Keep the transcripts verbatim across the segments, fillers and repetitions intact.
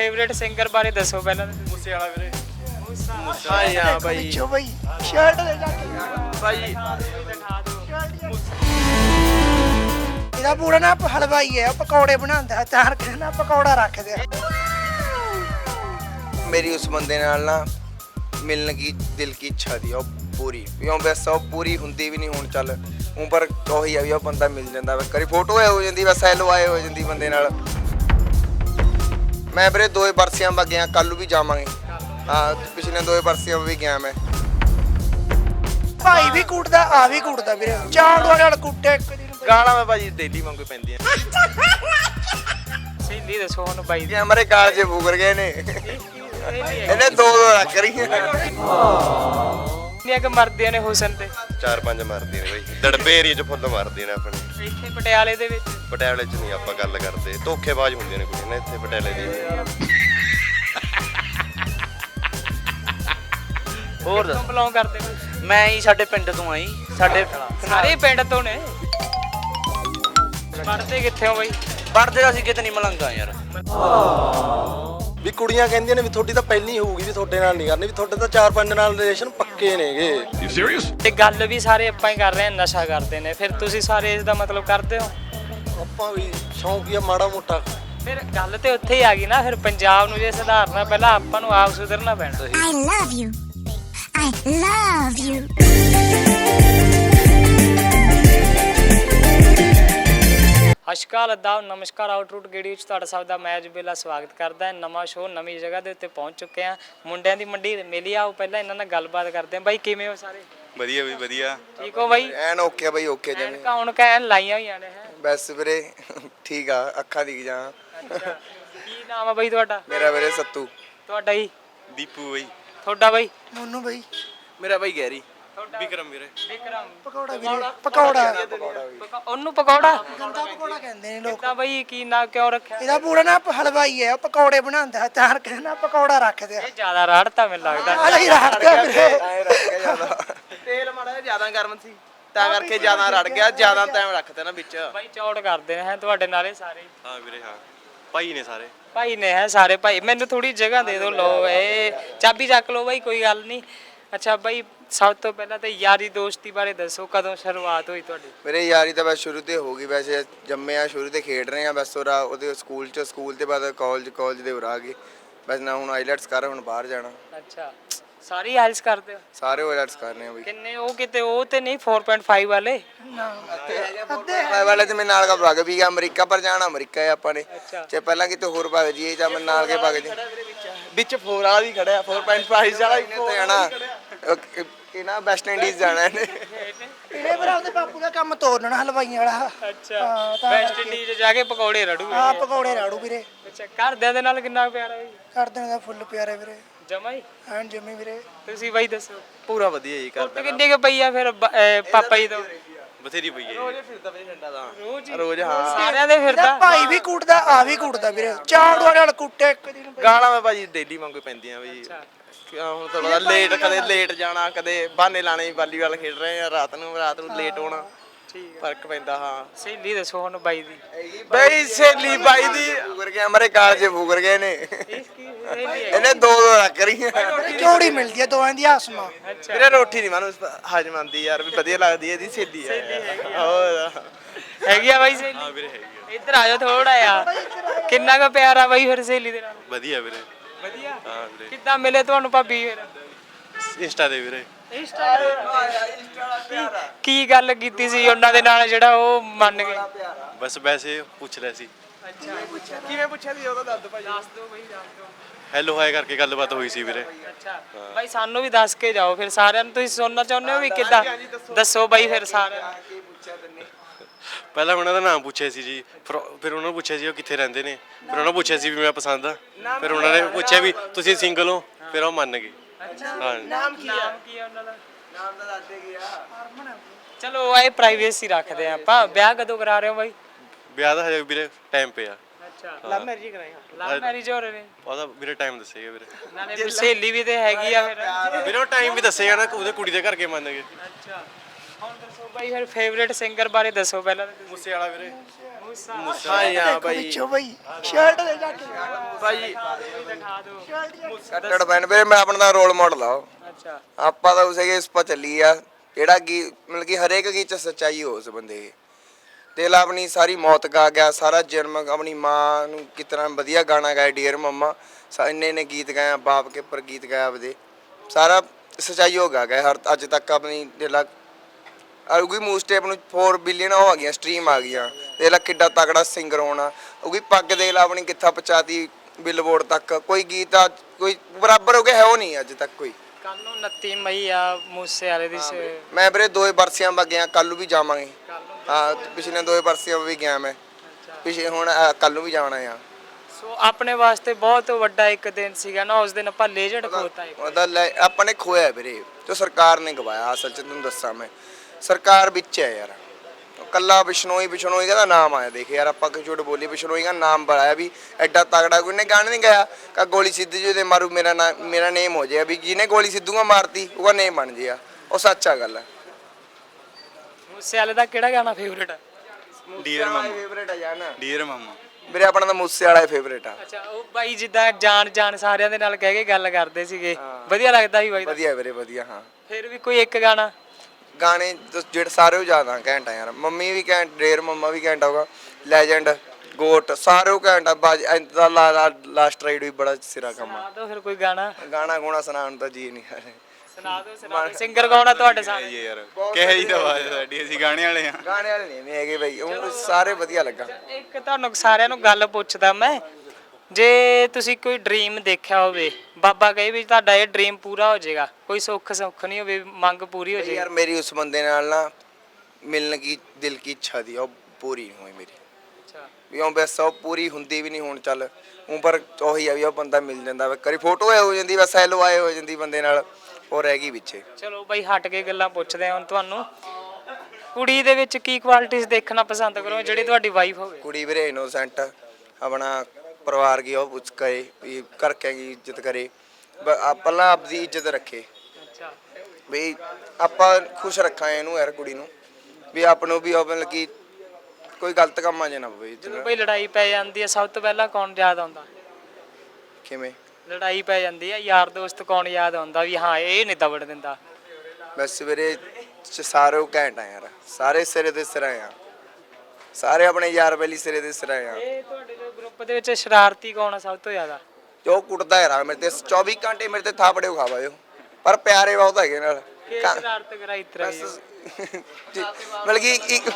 Favourite singer ਬਾਰੇ ਦੱਸੋ ਪਹਿਲਾਂ। ਮੂਸੇ ਵਾਲਾ ਵੀਰੇ। ਹਾਂ ਯਾ ਬਾਈ ਪਿੱਛੋਂ ਬਈ ਸ਼ਰਟ ਦੇ ਜਾ ਕੇ ਬਾਈ ਇਹਦਾ ਪੂਰਾ ਨਾ ਹਲਵਾਈ ਹੈ, ਉਹ ਪਕੌੜੇ ਬਣਾਉਂਦਾ ਤਾਂ ਕਰਕੇ ਨਾ ਪਕੌੜਾ ਰੱਖਦੇ ਆ। ਮੇਰੀ ਉਸ ਬੰਦੇ ਨਾਲ ਨਾ ਮਿਲਣ ਕੀ ਦਿਲ ਕੀ ਇੱਛਾ ਦੀ ਉਹ ਪੂਰੀ ਕਿਉਂ ਵੈਸਾ ਉਹ ਪੂਰੀ ਹੁੰਦੀ ਵੀ ਨਹੀਂ ਹੁਣ ਚੱਲ ਉਹ ਪਰ ਉਹੀ ਆ ਵੀ ਉਹ ਬੰਦਾ ਮਿਲ ਜਾਂਦਾ ਕਰੀ ਫੋਟੋ ਹੋ ਜਾਂਦੀ ਬਸ ਐਲੋ ਆਏ ਹੋ ਜਾਂਦੀ ਬੰਦੇ ਨਾਲ। ਮੈਂ ਵੀਰੇ ਦੋਏ ਬਰਸੀਆਂ ਵਗ ਗਿਆ, ਕੱਲ ਨੂੰ ਵੀ ਜਾਵਾਂਗੇ। ਹਾਂ ਪਿਛਲੇ ਦੋਏ ਬਰਸੀਆਂ ਵੀ ਗਿਆ ਮੈਂ। ਭਾਈ ਵੀ ਕੁੱਟਦਾ ਆ ਵੀ ਕੁੱਟਦਾ ਵੀਰੇ, ਚਾਂਦੂਆਂ ਨਾਲ ਕੁੱਟੇ ਇੱਕ ਦਿਨ। ਗਾਲਾਂ ਮੈਂ ਭਾਜੀ ਡੇਲੀ ਵਾਂਗੂ ਪੈਂਦੀਆਂ। ਸਹੇਲੀ ਦੱਸੋ ਹੁਣ ਬਾਈ ਦੀ। ਇਹ ਹਮਾਰੇ ਕਾਲ ਜੇ ਫੂਕਰ ਗਏ ਨੇ ਇਹਨੇ ਦੋ ਦੋ ਰੱਖ ਰਹੀਆਂ। ਕਿੰਨੀਆਂ ਕਿ ਮਰਦੀਆਂ ਨੇ ਹੁਸਨ ਤੇ? ਚਾਰ ਪੰਜ ਮਾਰਦੀਆਂ ਨੇ ਬਾਈ, ਦੜਬੇ ਏਰੀਏ 'ਚ ਫੁੱਲ ਮਾਰਦੀਆਂ ਨੇ ਆਪਣੇ। ਇੱਥੇ ਪਟਿਆਲੇ ਦੇ ਵਿੱਚ? ਪਟਿਆਲੇ 'ਚ ਨਹੀਂ ਆਪਾਂ ਗੱਲ ਕਰਦੇ, ਧੋਖੇਬਾਜ਼ ਹੁੰਦੀਆਂ ਨੇ ਕੁੜੀਆਂ ਨੇ ਇੱਥੇ ਪਟਿਆਲੇ ਦੀ। ਹੋਰ ਦੱਸੋ ਬਿਲੋਂਗ ਕਰਦੇ ਹੋ? ਮੈਂ ਹੀ ਸਾਡੇ ਪਿੰਡ ਤੋਂ ਆਈ। ਸਾਡੇ ਸਾਰੇ ਪਿੰਡ ਤੋਂ ਨੇ। ਪੜ੍ਹਦੇ ਕਿੱਥੇ ਹੋ ਬਾਈ? ਪੜਦੇ ਅਸੀਂ ਕਿਤੇ ਨਹੀਂ ਮਲੰਗਾ ਯਾਰ। ਵੀ ਕੁੜੀਆਂ ਕਹਿੰਦੀਆਂ ਨੇ ਵੀ ਤੁਹਾਡੀ ਤਾਂ ਪਹਿਲੀ ਹੋਊਗੀ ਵੀ ਤੁਹਾਡੇ ਨਾਲ ਨਹੀਂ ਕਰਨੀ, ਵੀ ਤੁਹਾਡੇ ਤਾਂ ਚਾਰ ਪੰਜ ਨਾਲ ਰਿਲੇਸ਼ਨ ਪੱਕੇ ਨੇਗੇ। ਤੇ ਗੱਲ ਵੀ ਸਾਰੇ ਆਪਾਂ ਹੀ ਕਰ ਰਹੇ ਹਾਂ, ਨਸ਼ਾ ਕਰਦੇ ਨੇ, ਫਿਰ ਤੁਸੀਂ ਸਾਰੇ ਇਸ ਦਾ ਮਤਲਬ ਕਰਦੇ ਹੋ? ਆਪਾਂ ਵੀ ਸ਼ੌਂਕੀਆ ਮਾੜਾ ਮੋਟਾ। ਫਿਰ ਗੱਲ ਤੇ ਉੱਥੇ ਹੀ ਆ ਗਈ ਨਾ, ਫਿਰ ਪੰਜਾਬ ਨੂੰ ਜੇ ਸੁਧਾਰਨਾ ਪਹਿਲਾਂ ਆਪਾਂ ਨੂੰ ਆਪ ਸੁਧਰਨਾ ਪੈਣਾ। I love you. I love you. ਅਸ਼ਕਾਲ ਅਦਾਬ ਨਮਸਕਾਰ, ਆਊਟਰੂਟ ਗੇੜੀ ਵਿੱਚ ਤੁਹਾਡਾ ਸਭ ਦਾ ਮੈਂ ਜੁਬੇਲਾ ਸਵਾਗਤ ਕਰਦਾ। ਨਵਾਂ ਸ਼ੋਅ ਨਵੀਂ ਜਗ੍ਹਾ ਦੇ ਉੱਤੇ ਪਹੁੰਚ ਚੁੱਕੇ ਹਾਂ। ਮੁੰਡਿਆਂ ਦੀ ਮੰਡੀ ਮਿਲੀ ਆਓ, ਪਹਿਲਾਂ ਇਹਨਾਂ ਨਾਲ ਗੱਲਬਾਤ ਕਰਦੇ ਹਾਂ। ਬਾਈ ਕਿਵੇਂ ਹੋ ਸਾਰੇ? ਵਧੀਆ ਵੀ ਵਧੀਆ। ਠੀਕ ਹੋ ਬਾਈ? ਐਨ ਓਕੇ ਬਾਈ ਓਕੇ ਜਿਵੇਂ ਐਨਕਾਂ ਹੁਣ ਕਹਿਣ ਲਾਈਆਂ ਹੋਈਆਂ ਨੇ ਹੈ। ਬਸ ਵੀਰੇ ਠੀਕ ਆ, ਅੱਖਾਂ ਦਿਖ ਜਾ। ਅੱਛਾ ਕੀ ਨਾਮ ਆ ਬਾਈ ਤੁਹਾਡਾ? ਮੇਰਾ ਵੀਰੇ ਸੱਤੂ। ਤੁਹਾਡਾ ਹੀ? ਦੀਪੂ ਬਾਈ। ਤੁਹਾਡਾ ਬਾਈ? ਮੋਨੂ ਬਈ ਮੇਰਾ ਬਾਈ ਗੈਰੀ। ਤੁਹਾਡਾ? ਵਿਕਰਮ ਵੀਰੇ। ਵਿਕਰਮ। ਪਕੌੜਾ ਵੀਰੇ ਪਕੌੜਾ ਪਕੌ- ਉਹਨੂੰ ਪਕੌੜਾ ਗੰਦਾ ਪਕੌੜਾ ਕਹਿੰਦੇ ਨੇ ਲੋਕ। ਤਾਂ ਬਾਈ ਕੀ ਨਾ ਕਿਉਂ ਰੱਖਿਆ? ਇਹਦਾ ਪੂਰਾ ਨਾ ਹਲਵਾਈ ਹੈ, ਉਹ ਪਕੌੜੇ ਬਣਾਉਂਦਾ ਤਾਂ ਕਰਕੇ ਨਾ ਪਕੌੜਾ ਰੱਖਦੇ ਆ। ਇਹ ਜ਼ਿਆਦਾ ਰਾੜਤਾ ਮੈਨੂੰ ਲੱਗਦਾ। ਆਹ ਹੀ ਰੱਖਦੇ ਆ ਵੀਰੇ। ਤੇਲ ਮਾੜਾ ਜਿਆਦਾ ਗਰਮ ਸੀ ਤਾਂ ਕਰਕੇ ਜਿਆਦਾ ਰੜ ਗਿਆ, ਜਿਆਦਾ ਟਾਈਮ ਰੱਖਦੇ ਨਾ ਵਿੱਚ। ਬਾਈ ਚੌੜ ਕਰਦੇ ਨੇ ਹੈ ਤੁਹਾਡੇ ਨਾਲੇ ਸਾਰੇ? ਹਾਂ ਵੀਰੇ ਹਾਂ, ਭਾਈ ਨੇ ਸਾਰੇ। ਭਾਈ ਨੇ ਹੈ ਸਾਰੇ ਭਾਈ। ਮੈਨੂੰ ਥੋੜੀ ਜਗ੍ਹਾ ਦੇ ਦਿਓ। ਲੋ ਇਹ ਚਾਬੀ ਚੱਕ ਲਓ ਬਾਈ, ਕੋਈ ਗੱਲ ਨਹੀਂ। ਅੱਛਾ ਬਾਈ ਸਭ ਤੋਂ ਪਹਿਲਾਂ ਤਾਂ ਯਾਰੀ ਦੋਸਤੀ ਬਾਰੇ ਦੱਸੋ, ਕਦੋਂ ਸ਼ੁਰੂਆਤ ਹੋਈ ਤੁਹਾਡੀ? ਮੇਰੇ ਯਾਰੀ ਤਾਂ ਬਸ ਸ਼ੁਰੂ ਤੇ ਹੋ ਗਈ, ਵੈਸੇ ਜੰਮੇ ਆ ਸ਼ੁਰੂ ਤੇ ਖੇਡ ਰਹੇ ਆ ਬਸ। ਉਹਦਾ ਉਹਦੇ ਸਕੂਲ ਚ ਸਕੂਲ ਤੇ ਬਾਅਦ ਕਾਲਜ ਕਾਲਜ ਦੇ ਉਰਾ ਗਏ ਬਸ। ਨਾ ਹੁਣ ਆਈਲੈਟਸ ਕਰ, ਹੁਣ ਬਾਹਰ ਜਾਣਾ। ਅੱਛਾ ਸਾਰੀ ਹੈਲਸ ਕਰਦੇ ਹੋ? ਸਾਰੇ ਆਈਲੈਟਸ ਕਰਨੇ ਆ ਬਈ। ਕਿੰਨੇ ਉਹ ਕਿਤੇ ਉਹ ਤੇ ਨਹੀਂ ਚਾਰ ਪੁਆਇੰਟ ਪੰਜ ਵਾਲੇ? ਮੈਂ ਵਾਲੇ ਤੇ ਮੈਂ ਨਾਲ ਕਾ ਭਾਗ ਵੀ ਗਿਆ ਅਮਰੀਕਾ, ਪਰ ਜਾਣਾ ਅਮਰੀਕਾ ਹੈ ਆਪਾਂ ਨੇ। ਅੱਛਾ। ਜੇ ਪਹਿਲਾਂ ਕਿਤੇ ਹੋਰ ਭਾਗ ਜੀਏ ਜਾਂ ਮੈਂ ਨਾਲ ਕੇ ਭਾਗ ਜੀ ਵਿੱਚ ਫੋਰ ਵਾਲਾ ਵੀ ਖੜਿਆ, ਚਾਰ ਪੁਆਇੰਟ ਪੰਜ ਵਾਲਾ ਵੀ ਤੇ ਜਾਣਾ ਇਹ ਨਾ ਵੈਸਟ ਇੰਡੀਜ਼ ਜਾਣਾ ਇਹਨੇ। ਇਹਨੇ ਭਰਾ ਉਹਦੇ ਬਾਪੂ ਦਾ ਕੰਮ ਤੋੜਨਾ ਹਲਵਾਈਆਂ ਵਾਲਾ। ਅੱਛਾ ਹਾਂ, ਤਾਂ ਵੈਸਟ ਇੰਡੀਜ਼ ਜਾ ਕੇ ਪਕੌੜੇ ਰੜੂ। ਆ ਪਕੌੜੇ ਰਾੜੂ ਵੀਰੇ। ਅੱਛਾ ਘਰਦਿਆਂ ਦੇ ਨਾਲ ਕਿੰਨਾ ਪਿਆਰਾ ਬਈ? ਕਰਦੇ ਦਾ ਫੁੱਲ ਪਿਆਰੇ ਵੀਰੇ, ਜਮਾ ਹੀ। ਐਨ ਜੰਮੀ ਵੀਰੇ। ਤੁਸੀਂ ਬਾਈ ਦੱਸੋ ਪੂਰਾ ਵਧੀਆ ਜੀ ਤੇ ਕਿੰਨੇ ਕੁ ਪਈ ਆ ਫਿਰ ਬ- ਅਹ ਪਾਪਾ ਜੀ ਤੋਂ? ਬਥੇਰੀ ਪਈ ਹੈ। ਫਿਰਦਾ ਬਈ ਠੰਡਾ ਦਾ ਰੋਜ਼ ਹੀ? ਰੋਜ਼ ਹਾਂ। ਸਾਰਿਆਂ ਦੇ ਫਿਰਦਾ? ਇਹਦਾ ਭਾਈ ਵੀ ਕੁੱਟਦਾ ਆ ਵੀ ਕੁੱਟਦਾ ਵੀਰੇ, ਚਾਂਦੂਆਂ ਨਾਲ ਕੁੱਟੇ ਇੱਕ ਦਿਨ। ਗਾਲਾਂ ਮੈਂ ਭਾਜੀ ਡੇਲੀ ਵਾਂਗੂ ਪੈਂਦੀਆਂ ਬਈ। ਅੱਛਾ ਕਿਉਂ ਹੁਣ ਤਾਂ ਪਤਾ ਲੇਟ, ਕਦੇ ਲੇਟ ਜਾਣਾ, ਕਦੇ ਬਹਾਨੇ ਲਾਣੇ। ਵਾਲੀਬਾਲ ਖੇਡ ਰਹੇ ਆ ਰਾਤ ਨੂੰ, ਰਾਤ ਨੂੰ ਲੇਟ ਹੋਣਾ, ਠੀਕ ਫਰਕ ਪੈਂਦਾ। ਹਾਂ ਸਹੇਲੀ ਦੱਸੋ ਹੁਣ ਬਾਈ ਦੀ। ਬਈ ਸਹੇਲੀ ਬਾਈ ਦੀ ਫੂਕਰ ਕੇ ਹਮਾਰੇ ਕਾਲ ਜੇ ਫੂਕਰ ਗਏ ਨੇ ਸਹੇਲੀ ਹੈ? ਇਹਨੇ ਦੋ ਦੋ ਰੱਖ ਰਹੀਆਂ। ਜੋੜੀ ਮਿਲਦੀ ਹੈ ਦੋਵਾਂ ਦੀ ਆਸਮਾਂ। ਅੱਛਾ ਵੀਰੇ ਰੋਟੀ ਨਹੀਂ ਮੈਨੂੰ ਹਜਮ ਆਉਂਦੀ ਯਾਰ, ਵੀ ਵਧੀਆ ਲੱਗਦੀ ਇਹਦੀ ਸਹੇਲੀ ਹੈ। ਹੋਰ ਹੈਗੀ ਆ ਬਾਈ ਸਹੇਲੀ? ਹਾਂ ਵੀਰੇ ਹੈਗੀ ਆ। ਇੱਧਰ ਆ ਜਾਓ ਥੋੜਾ ਆ। ਕਿੰਨਾ ਕੁ ਪਿਆਰ ਆ ਬਾਈ ਫਿਰ ਸਹੇਲੀ ਦੇ ਨਾਲ? ਵਧੀਆ ਵੀਰੇ। ਵਧੀਆ। ਹਾਂ ਵੀਰੇ। ਕਿੱਦਾਂ ਮਿਲੇ ਤੁਹਾਨੂੰ ਭਾਬੀ ਫਿਰ? ਇੰਸਟਾ ਦੇ ਵੀਰੇ। ਇੰਸਟਾ ਕੀ ਗੱਲ ਕੀਤੀ ਸੀ ਉਹਨਾਂ ਦੇ ਨਾਲ ਜਿਹੜਾ ਉਹ ਮੰਨ ਗਏ? ਬਸ ਵੈਸੇ ਪੁੱਛ ਲਿਆ ਸੀ। ਅੱਛਾ ਕਿਵੇਂ ਪੁੱਛਿਆ ਸੀ ਉਹਦਾ ਦੱਸ ਭਾਈ। ਦੱਸ ਦਿਓ ਬਾਈ ਦੱਸ ਦਿਓ। ਹੈਲੋ ਹਾਈ ਕਰਕੇ ਗੱਲਬਾਤ ਹੋਈ ਸੀ ਵੀਰੇ। ਅੱਛਾ ਬਾਈ ਸਾਨੂੰ ਵੀ ਦੱਸ ਕੇ ਜਾਓ ਫਿਰ, ਸਾਰਿਆਂ ਨੂੰ ਤੁਸੀਂ ਸੁਣਨਾ ਚਾਹੁੰਦੇ ਹੋ ਵੀ ਕਿੱਦਾਂ? ਦੱਸੋ ਬਾਈ ਫਿਰ ਸਾਰਿਆਂ ਨੂੰ। ਪਹਿਲਾਂ ਉਹਨਾਂ ਦਾ ਨਾਮ ਪੁੱਛਿਆ ਸੀ ਜੀ, ਫਿਰ ਫਿਰ ਉਹਨਾਂ ਨੂੰ ਪੁੱਛਿਆ ਸੀ ਉਹ ਕਿੱਥੇ ਰਹਿੰਦੇ ਨੇ, ਫਿਰ ਉਹਨਾਂ ਨੂੰ ਪੁੱਛਿਆ ਸੀ ਵੀ ਮੈਂ ਪਸੰਦ ਆ, ਫਿਰ ਉਹਨਾਂ ਨੇ ਪੁੱਛਿਆ ਵੀ ਤੁਸੀਂ ਸਿੰਗਲ ਹੋ, ਫਿਰ ਉਹ ਮੰਨ ਗਏ। ਹਾਂ ਨਾਮ ਕੀ ਹੈ ਉਹਨਾਂ ਦਾ? ਨਾਮ ਤਾਂ ਦੱਸ ਦੇ ਗਿਆ। ਚਲੋ ਇਹ ਪ੍ਰਾਈਵੇਸੀ ਰੱਖਦੇ ਆ ਆਪਾਂ। ਵਿਆਹ ਕਦੋਂ ਕਰਾ ਰਹੇ ਹੋ ਬਾਈ? ਵਿਆਹ ਦਾ ਹਜੇ ਵੀਰੇ ਟਾਈਮ ਪਿਆ। ਅੱਛਾ ਲਵ ਮੈਰਿਜ ਕਰਾਈ। ਲਵ ਮੈਰਿਜ ਹੋ ਰਹੇ ਨੇ? ਉਹਦਾ ਵੀਰੇ ਟਾਈਮ ਦੱਸੇਗਾ ਵੀਰੇ। ਨਾਲੇ ਸਹੇਲੀ ਵੀ ਤੇ ਹੈਗੀ ਆ ਫਿਰ। ਵੀਰੇ ਉਹ ਟਾਈਮ ਵੀ ਦੱਸੇਗਾ ਨਾ, ਉਹਦੇ ਕੁੜੀ ਦੇ ਘਰ ਕੇ ਮੰਨ ਗਏ। ਅੱਛਾ ਹੁਣ ਦੱਸੋ ਬਾਈ ਫਿਰ ਫੇਵਰੇਟ ਸਿੰਗਰ ਬਾਰੇ ਦੱਸੋ ਪਹਿਲਾਂ ਤਾਂ ਮੂਸੇ ਵਾਲਾ ਵੀਰੇ ਮੂਸਾ ਹਾਂ ਯਾ ਬਾਈ ਪਿੱਛੋਂ ਬਈ ਸ਼ਰਟ ਦੇ ਜਾ ਕੇ ਬਾਈ ਦਿਖਾ ਦਿਓ ਕੱਟੜ ਪੈਣ ਵੀਰੇ ਮੈਂ ਆਪਣਾ ਰੋਲ ਮਾਡਲ ਆ ਉਹ। ਅੱਛਾ ਆਪਾਂ ਤਾਂ ਉਸੇ ਇਸ ਪਾ ਚੱਲੀ ਆ ਜਿਹੜਾ ਕੀ ਮਤਲਬ ਕਿ ਹਰੇਕ ਗੀਤ ਚ ਸੱਚਾਈ ਹੋ ਉਸ ਬੰਦੇ ਦੀ ਦਿਲ ਆਪਣੀ ਸਾਰੀ ਮੌਤ ਗਾ ਗਿਆ ਸਾਰਾ ਜਨਮ ਆਪਣੀ ਮਾਂ ਨੂੰ ਕਿਤਨਾ ਵਧੀਆ ਗਾਣਾ ਗਾਇਆ ਡੀਅਰ ਮੰਮਾ ਇੰਨੇ ਨੇ ਗੀਤ ਗਾਇਆ ਬਾਪ ਕੇ ਉੱਪਰ ਗੀਤ ਗਾਇਆ ਆਪਦੇ ਸਾਰਾ ਸੱਚਾਈ ਹੋ ਗਾ ਗਿਆ ਹਰ ਅੱਜ ਤੱਕ ਆਪਣੀ ਦਿਲਾ ਅਰੂਗੀ ਮੂਸਟੇਪ ਨੂੰ ਚਾਰ ਬਿਲੀਅਨ ਹੋ ਗਈਆਂ ਸਟ੍ਰੀਮ ਆ ਗਈਆਂ ਦੇਖ ਲਾ ਕਿੱਡਾ ਤਕੜਾ ਸਿੰਗਰ ਹੋਣਾ ਉਹਗੀ ਪੱਗ ਦੇ ਲਾ ਆਪਣੀ ਕਿੱਥਾ ਪਹੁੰਚਾਤੀ ਬਿਲਬੋਰਡ ਤੱਕ ਕੋਈ ਗੀਤ ਆ ਕੋਈ ਬਰਾਬਰ ਹੋ ਗਿਆ ਹੈ ਉਹ ਨਹੀਂ ਅੱਜ ਤੱਕ ਕੋਈ ਕੱਲ ਨੂੰ ਉਨੱਤੀ ਮਈ ਆ ਮੂਸੇ ਵਾਲੇ ਦੀ ਸ- ਮੈਂ ਵੀਰੇ ਦੋਏ ਬਰਸੀਆਂ ਵਗ ਗਿਆ ਕੱਲ ਨੂੰ ਵੀ ਜਾਵਾਂਗੇ ਕੱਲ੍ਹ ਨੂੰ। ਹਾਂ ਪਿਛਲੇ ਦੋਏ ਬਰਸੀਆਂ ਵੀ ਗਿਆ ਮੈਂ ਪਿਛੇ ਹੁਣ ਕੱਲ ਨੂੰ ਵੀ ਜਾਣਾ ਆ ਸੋ ਆਪਣੇ ਵਾਸਤੇ ਬਹੁਤ ਵੱਡਾ ਇੱਕ ਦਿਨ ਸੀਗਾ ਨਾ ਉਸ ਦਿਨ ਆਪਾਂ ਲੇਜੈਂਡ ਖੋਤਾ ਇੱਕ ਉਹਦਾ ਲੈ- ਆਪਾਂ ਨੇ ਖੋਇਆ ਵੀਰੇ ਜੋ ਸਰਕਾਰ ਨੇ ਗਵਾਇਆ ਅਸਲ ਚ ਤੈਨੂੰ ਦੱਸਾਂ ਮੈਂ ਸਰਕਾਰ ਵਿੱਚ ਹੈ ਯਾਰ ਉਹ ਕੱਲਾ ਬਿਸ਼ਨੋਈ ਬਿਸ਼ਨੋਈ ਦਾ ਨਾਮ ਆਇਆ ਦੇਖ ਯਾਰ ਆਪਾਂ ਕਿ ਝੂਠ ਬੋਲੀ ਬਿਸ਼ਨੋਈ ਦਾ ਨਾਮ ਬੜਾਇਆ ਵੀ ਐਡਾ ਤਗੜਾ ਕੋਈ ਨੇ ਗਾਣਾ ਨਹੀਂ ਗਾਇਆ ਕਾ ਗੋਲੀ ਸਿੱਧੂ ਜੀ ਦੇ ਮਾਰੂ ਮੇਰਾ ਨਾਂ ਮੇਰਾ ਨੇਮ ਹੋ ਜਾਏ ਵੀ ਜਿਹਨੇ ਗੋਲੀ ਸਿੱਧੂ ਨੂੰ ਮਾਰਤੀ ਉਹਦਾ ਨੇਮ ਬਣ ਜਿਆ ਉਹ ਸੱਚਾ ਗੱਲ ਹੈ ਮੂਸੇ ਵਾਲੇ ਦਾ ਕਿਹੜਾ ਗਾਣਾ ਫੇਵਰੇਟ ਹੈ ਡੀਅਰ ਮਮਾ ਫੇਵਰੇਟ ਆ ਜਾਨਾ ਡੀਅਰ ਮਮਾ ਵੀਰੇ ਆਪਣਾ ਤਾਂ ਮੂਸੇ ਵਾਲਾ ਫੇਵਰੇਟ ਆ ਅੱਛਾ ਉਹ ਬਾਈ ਜਿੱਦਾਂ ਜਾਣ ਜਾਣ ਸਾਰਿਆਂ ਦੇ ਨਾਲ ਕਹਿ ਕੇ ਗੱਲ ਕਰਦੇ ਸੀਗੇ ਵਧੀਆ ਲੱਗਦਾ ਸੀ ਬਾਈ ਦਾ। ਵਧੀਆ ਵੀਰੇ ਵਧੀਆ ਹਾਂ ਫਿਰ ਵੀ ਕੋਈ ਇੱਕ ਗਾਣਾ ਗਾਣੇ ਤਾਂ ਜਿਹੜੇ ਸਾਰੇ ਉਹ ਜ਼ਿਆਦਾ ਘੈਂਟ ਆ ਯਾਰ ਮੰਮੀ ਵੀ ਘੈਂਟ ਡੇਰ ਮੰਮਾ ਵੀ ਘੈਂਟ ਹੋਗਾ ਲੈਜੈਂਡ ਗੋਟ ਸਾਰੇ ਉਹ ਘੈਂਟ ਆ ਬਾਜ ਦਾ ਲਾਸਟ ਰਾਈਡ ਵੀ ਬੜਾ ਸਿਰਾ ਕੰਮ ਆ ਸੁਣਾ ਦਿਓ ਫਿਰ ਕੋਈ ਗਾਣਾ ਗਾਣਾ ਗੋਣਾ ਸੁਣਾਉਣ ਦਾ ਜੀ ਨਹੀਂ ਹੈ ਸੁਣਾ ਦਿਓ ਸੁਣਾ ਦਿਓ ਸਿੰਗਰ ਕੌਣ ਆ ਤੁਹਾਡੇ ਸਾਹਮਣੇ ਯਾਰ ਕਿਹੇ ਜੀ ਆਵਾਜ਼ ਸਾਡੀ ਅਸੀਂ ਗਾਣੇ ਵਾਲੇ ਆ ਗਾਣੇ ਵਾਲੇ ਨਹੀਂ ਐਵੇਂ ਹੈਗੇ ਬਈ ਉਹ ਸਾਰੇ ਵਧੀਆ ਲੱਗਾ ਇੱਕ ਤੁਹਾਨੂੰ ਸਾਰਿਆਂ ਨੂੰ ਗੱਲ ਪੁੱਛਦਾ ਮੈਂ ਜੇ ਤੁਸੀਂ ਕੋਈ ਡ੍ਰੀਮ ਦੇਖਿਆ ਹੋਵੇ ਬਾਬਾ ਕਹੇ ਵੀ ਤੁਹਾਡਾ ਇਹ ਡ੍ਰੀਮ ਪੂਰਾ ਹੋ ਜਾਏਗਾ ਕੋਈ ਸੁੱਖ ਸੁੱਖ ਨਹੀਂ ਹੋਵੇ ਮੰਗ ਪੂਰੀ ਹੋ ਬਈ ਜਾਏਗੀ ਯਾਰ ਮੇਰੀ ਉਸ ਬੰਦੇ ਨਾਲ ਨਾ ਮਿਲਣ ਕੀ ਦਿਲ ਕੀ ਇੱਛਾ ਦੀ ਉਹ ਪੂਰੀ ਹੋਈ ਮੇਰੀ ਅੱਛਾ ਵੀ ਉਹ ਬਸ ਉਹ ਪੂਰੀ ਹੁੰਦੀ ਵੀ ਨਹੀਂ ਹੁਣ ਚੱਲ ਉਹ ਪਰ ਉਹੀ ਆ ਵੀ ਉਹ ਬੰਦਾ ਮਿਲ ਜਾਂਦਾ ਵਾ ਕਰੀ ਫੋਟੋ ਹੋ ਜਾਂਦੀ ਬਸ ਐਲੋ ਆਏ ਹੋ ਜਾਂਦੀ ਬੰਦੇ ਨਾਲ ਉਹ ਰਹਿ ਗਈ ਪਿੱਛੇ ਚਲੋ ਬਾਈ ਹਟ ਕੇ ਗੱਲਾਂ ਪੁੱਛਦੇ ਹਾਂ ਹੁਣ ਤੁਹਾਨੂੰ ਕੁੜੀ ਦੇ ਵਿੱਚ ਕੀ ਕੁਆਲਿਟੀਆਂ ਦੇਖਣਾ ਪਸੰਦ ਕਰੋ ਜਿਹੜੀ ਤੁਹਾਡੀ ਵਾਈਫ ਹੋਵੇ ਕੁੜੀ ਵੀਰੇ ਇਨੋਸੈਂਟ ਆਪਣਾ ਪਰਿਵਾਰ ਕੀ ਉਹ ਪੁੱਛ ਕਰੇ ਵੀ ਘਰ ਕੇ ਕੀ ਇੱਜ਼ਤ ਕਰੇ ਬ- ਆ ਪਹਿਲਾਂ ਆਪਦੀ ਇੱਜ਼ਤ ਰੱਖੇ ਅੱਛਾ ਵੀ ਆਪਾਂ ਖੁਸ਼ ਰੱਖਾਂ ਇਹਨੂੰ ਯਾਰ ਕੁੜੀ ਨੂੰ ਵੀ ਆਪ ਨੂੰ ਵੀ ਉਹ ਮਤਲਬ ਕਿ ਕੋਈ ਗਲਤ ਕੰਮਾਂ 'ਚ ਨਾ ਪਵੇ ਜਦੋਂ ਬਈ ਲੜਾਈ ਪੈ ਜਾਂਦੀ ਹੈ ਸਭ ਤੋਂ ਪਹਿਲਾਂ ਕੌਣ ਯਾਦ ਆਉਂਦਾ ਕਿਵੇਂ ਲੜਾਈ ਪੈ ਜਾਂਦੀ ਹੈ ਯਾਰ ਦੋਸਤ ਕੌਣ ਯਾਦ ਆਉਂਦਾ ਵੀ ਹਾਂ ਇਹ ਨਹੀਂ ਦਬੜ ਦਿੰਦਾ ਬਸ ਵੀਰੇ ਚ ਸਾਰੇ ਉਹ ਘੈਂਟ ਆ ਯਾਰ ਸਾਰੇ ਸਿਰੇ ਦੇ ਸਿਰਾਂ ਆ ਸਾਰੇ ਆਪਣੇ ਯਾਰ ਬੇਲੀ ਸਿਰੇ ਦੇ ਸਿਰਾਂ ਆ ਇਹ ਤੁਹਾਡੇ ਦੇ ਗਰੁੱਪ ਦੇ ਵਿੱਚ ਸ਼ਰਾਰਤੀ ਕੌਣ ਆ ਸਭ ਤੋਂ ਜ਼ਿਆਦਾ ਜੋ ਕੁੱਟਦਾ ਯਾਰ ਮੇਰੇ ਤੇ ਚੌਵੀ ਘੰਟੇ ਮੇਰੇ ਤੇ ਥਾਪੜੇ ਖਾਵਾ ਜੋ ਪਰ ਪਿਆਰੇ ਬਹੁਤ ਹੈਗੇ ਨਾਲ ਕੀ ਕਾ- ਸ਼ਰਾਰਤ ਕਰਾਈ ਤਰਾ ਬਸ ਮਤਲਬ ਕਿ ਇੱਕ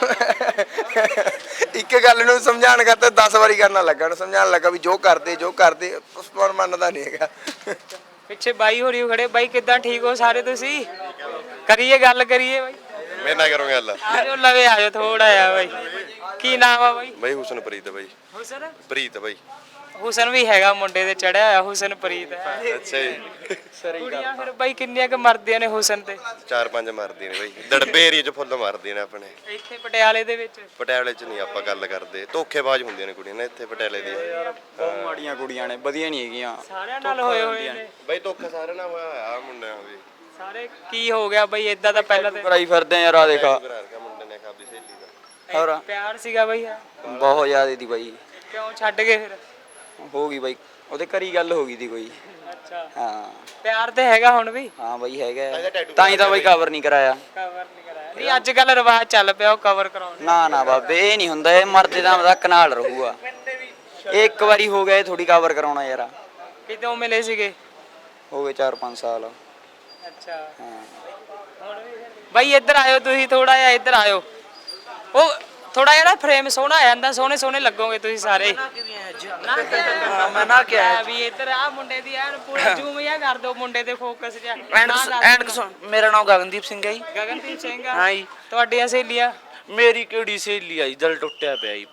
ਇੱਕ ਗੱਲ ਨੂੰ ਸਮਝਾਉਣ ਕਰਤੇ ਦਸ ਵਾਰੀ ਕਰਨਾ ਲੱਗਾ ਨੂੰ ਸਮਝਾਉਣ ਲੱਗਾ ਵੀ ਜੋ ਕਰਦੇ ਜੋ ਕਰਦੇ ਉਸ ਪਰ ਮੰਨਦਾ ਨਹੀਂ ਹੈਗਾ ਪਿੱਛੇ ਬਾਈ ਹੋਰੀ ਖੜੇ ਬਾਈ ਕਿੱਦਾਂ ਠੀਕ ਹੋ ਸਾਰੇ ਤੁਸੀਂ ਕਰੀਏ ਗੱਲ ਕਰੀਏ ਬਾਈ ਮੇਰੇ ਨਾਲ ਕਰੋ ਗੱਲ ਆਜੋ ਲਵੇ ਆਜੋ ਥੋੜਾ ਆ ਬਾਈ ਕੀ ਨਾਮ ਆ ਬਾਈ ਬਾਈ ਹੁਸਨਪ੍ਰੀਤ ਬਾਈ ਹੁਸਨ ਪ੍ਰੀਤ ਬਾਈ ਹੁਸਨ ਵੀ ਹੈਗਾ ਮੁੰਡੇ ਦੇ ਚੜਿਆ ਹੋਇਆ ਹੁਸਨਪ੍ਰੀਤ ਹੈ ਅੱਛਾ ਜੀ ਕੁੜੀਆਂ ਫਿਰ ਬਾਈ ਕਿੰਨੀਆਂ ਕੁ ਮਰਦੀਆਂ ਨੇ ਹੁਸਨ ਤੇ ਚਾਰ ਪੰਜ ਮਾਰਦੀਆਂ ਨੇ ਬਾਈ ਦੜਬੇ ਏਰੀਏ 'ਚ ਫੁੱਲ ਮਾਰਦੀਆਂ ਨੇ ਆਪਣੇ ਇੱਥੇ ਪਟਿਆਲੇ ਦੇ ਵਿੱਚ ਪਟਿਆਲੇ 'ਚ ਨਹੀਂ ਆਪਾਂ ਗੱਲ ਕਰਦੇ ਧੋਖੇਬਾਜ਼ ਹੁੰਦੀਆਂ ਨੇ ਕੁੜੀਆਂ ਨੇ ਇੱਥੇ ਪਟਿਆਲੇ ਦੀਆਂ ਬਹੁਤ ਮਾੜੀਆਂ ਕੁੜੀਆਂ ਨੇ ਵਧੀਆ ਨਹੀਂ ਹੈਗੀਆਂ ਸਾਰਿਆਂ ਨਾਲ ਹੋਏ ਹੋਏ ਨੇ ਬਾਈ ਧੋਖਾ ਸਾਰਿਆਂ ਨਾਲ ਹੋਇਆ ਹੋਇਆ ਆਹ ਮੁੰਡਿਆਂ ਵੀ ਸਾਰੇ ਕੀ ਹੋ ਗਿਆ ਬਾਈ ਇਦਾਂ ਦਾ ਪਹਿਲਾਂ ਤੇ ਕਰਾਈ ਫਿਰਦੇ ਯਾਰ ਆ ਦੇਖਾ ਘਰ ਕਾ ਮੁੰਡੇ ਨੇ ਖਾਦੀ ਸਹੇਲੀ ਦਾ ਹੋਰ ਪਿਆਰ ਸੀਗਾ ਬਾਈ ਹਾਂ। ਬਹੁਤ ਜ਼ਿਆਦਾ ਦੀ ਬਾਈ ਕਿਉਂ ਛੱਡ ਗਏ ਫਿਰ ਹੋ ਗਈ ਬਾਈ ਉਹਦੇ ਘਰੀ ਗੱਲ ਹੋ ਗਈ ਦੀ ਕੋਈ ਅੱਛਾ ਹਾਂ ਪਿਆਰ ਤੇ ਹੈਗਾ ਹੁਣ ਵੀ ਹਾਂ ਬਾਈ ਹੈਗਾ ਤਾਂ ਹੀ ਤਾਂ ਬਾਈ ਕਵਰ ਨਹੀਂ ਕਰਾਇਆ ਕਵਰ ਨਹੀਂ ਕਰਾਇਆ ਨਹੀਂ ਅੱਜ ਕੱਲ ਰਿਵਾਜ ਚੱਲ ਪਿਆ ਉਹ ਕਵਰ ਕਰਾਉਣ ਦਾ। ਨਾ ਨਾ ਬਾਬੇ ਇਹ ਨਹੀਂ ਹੁੰਦਾ ਇਹ ਮਰਦੇ ਦਾ ਮਜ਼ਾਕ ਨਾਲ ਰਹੂਗਾ ਇਹ ਇੱਕ ਵਾਰੀ ਹੋ ਗਿਆ ਇਹ ਥੋੜੀ ਕਵਰ ਕਰਾਉਣਾ ਯਾਰ ਕਿਦੋਂ ਮਿਲੇ ਸੀਗੇ ਹੋ ਗਏ ਚਾਰ ਪੰਜ ਸਾਲ ਅੱਛਾ ਹਾਂ ਹੁਣ ਵੀ ਫਿਰ- ਬਾਈ ਇੱਧਰ ਆਇਓ ਤੁਸੀਂ ਥੋੜਾ ਜਿਹਾ ਇੱਧਰ ਆਇਓ ਉਹ ਥੋੜਾ ਜਿਹਾ ਨਾ ਫਰੇਮ ਸੋਹਣਾ ਆ ਜਾਂਦਾ ਸੋਹਣੇ ਸੋਹਣੇ ਲੱਗੋਗੇ ਤੁਸੀਂ ਸਾਰੇ ਮੈਂ ਨਾ ਕਿਹਾ ਵੀ ਇੱਧਰ ਆ ਮੁੰਡੇ ਦੀ ਐਨ ਪੂਰਾ ਜ਼ੂਮ ਜਿਹਾ ਕਰ ਦਿਓ ਮੁੰਡੇ ਤੇ ਫੋਕਸ ਜਿਹਾ ਐਂਡ ਮੇਰਾ ਨਾਮ ਗਗਨਦੀਪ ਸਿੰਘ ਹੈ ਜੀ ਗਗਨਦੀਪ ਸਿੰਘ ਆ ਹਾਂ ਜੀ ਤੁਹਾਡੀਆਂ ਸਹੇਲੀਆਂ ਮੇਰੀ ਕਿਹੜੀ ਸਹੇਲੀ ਆ ਜੀ ਦਿਲ ਟੁੱਟਿਆ ਪਿਆ ਜੀ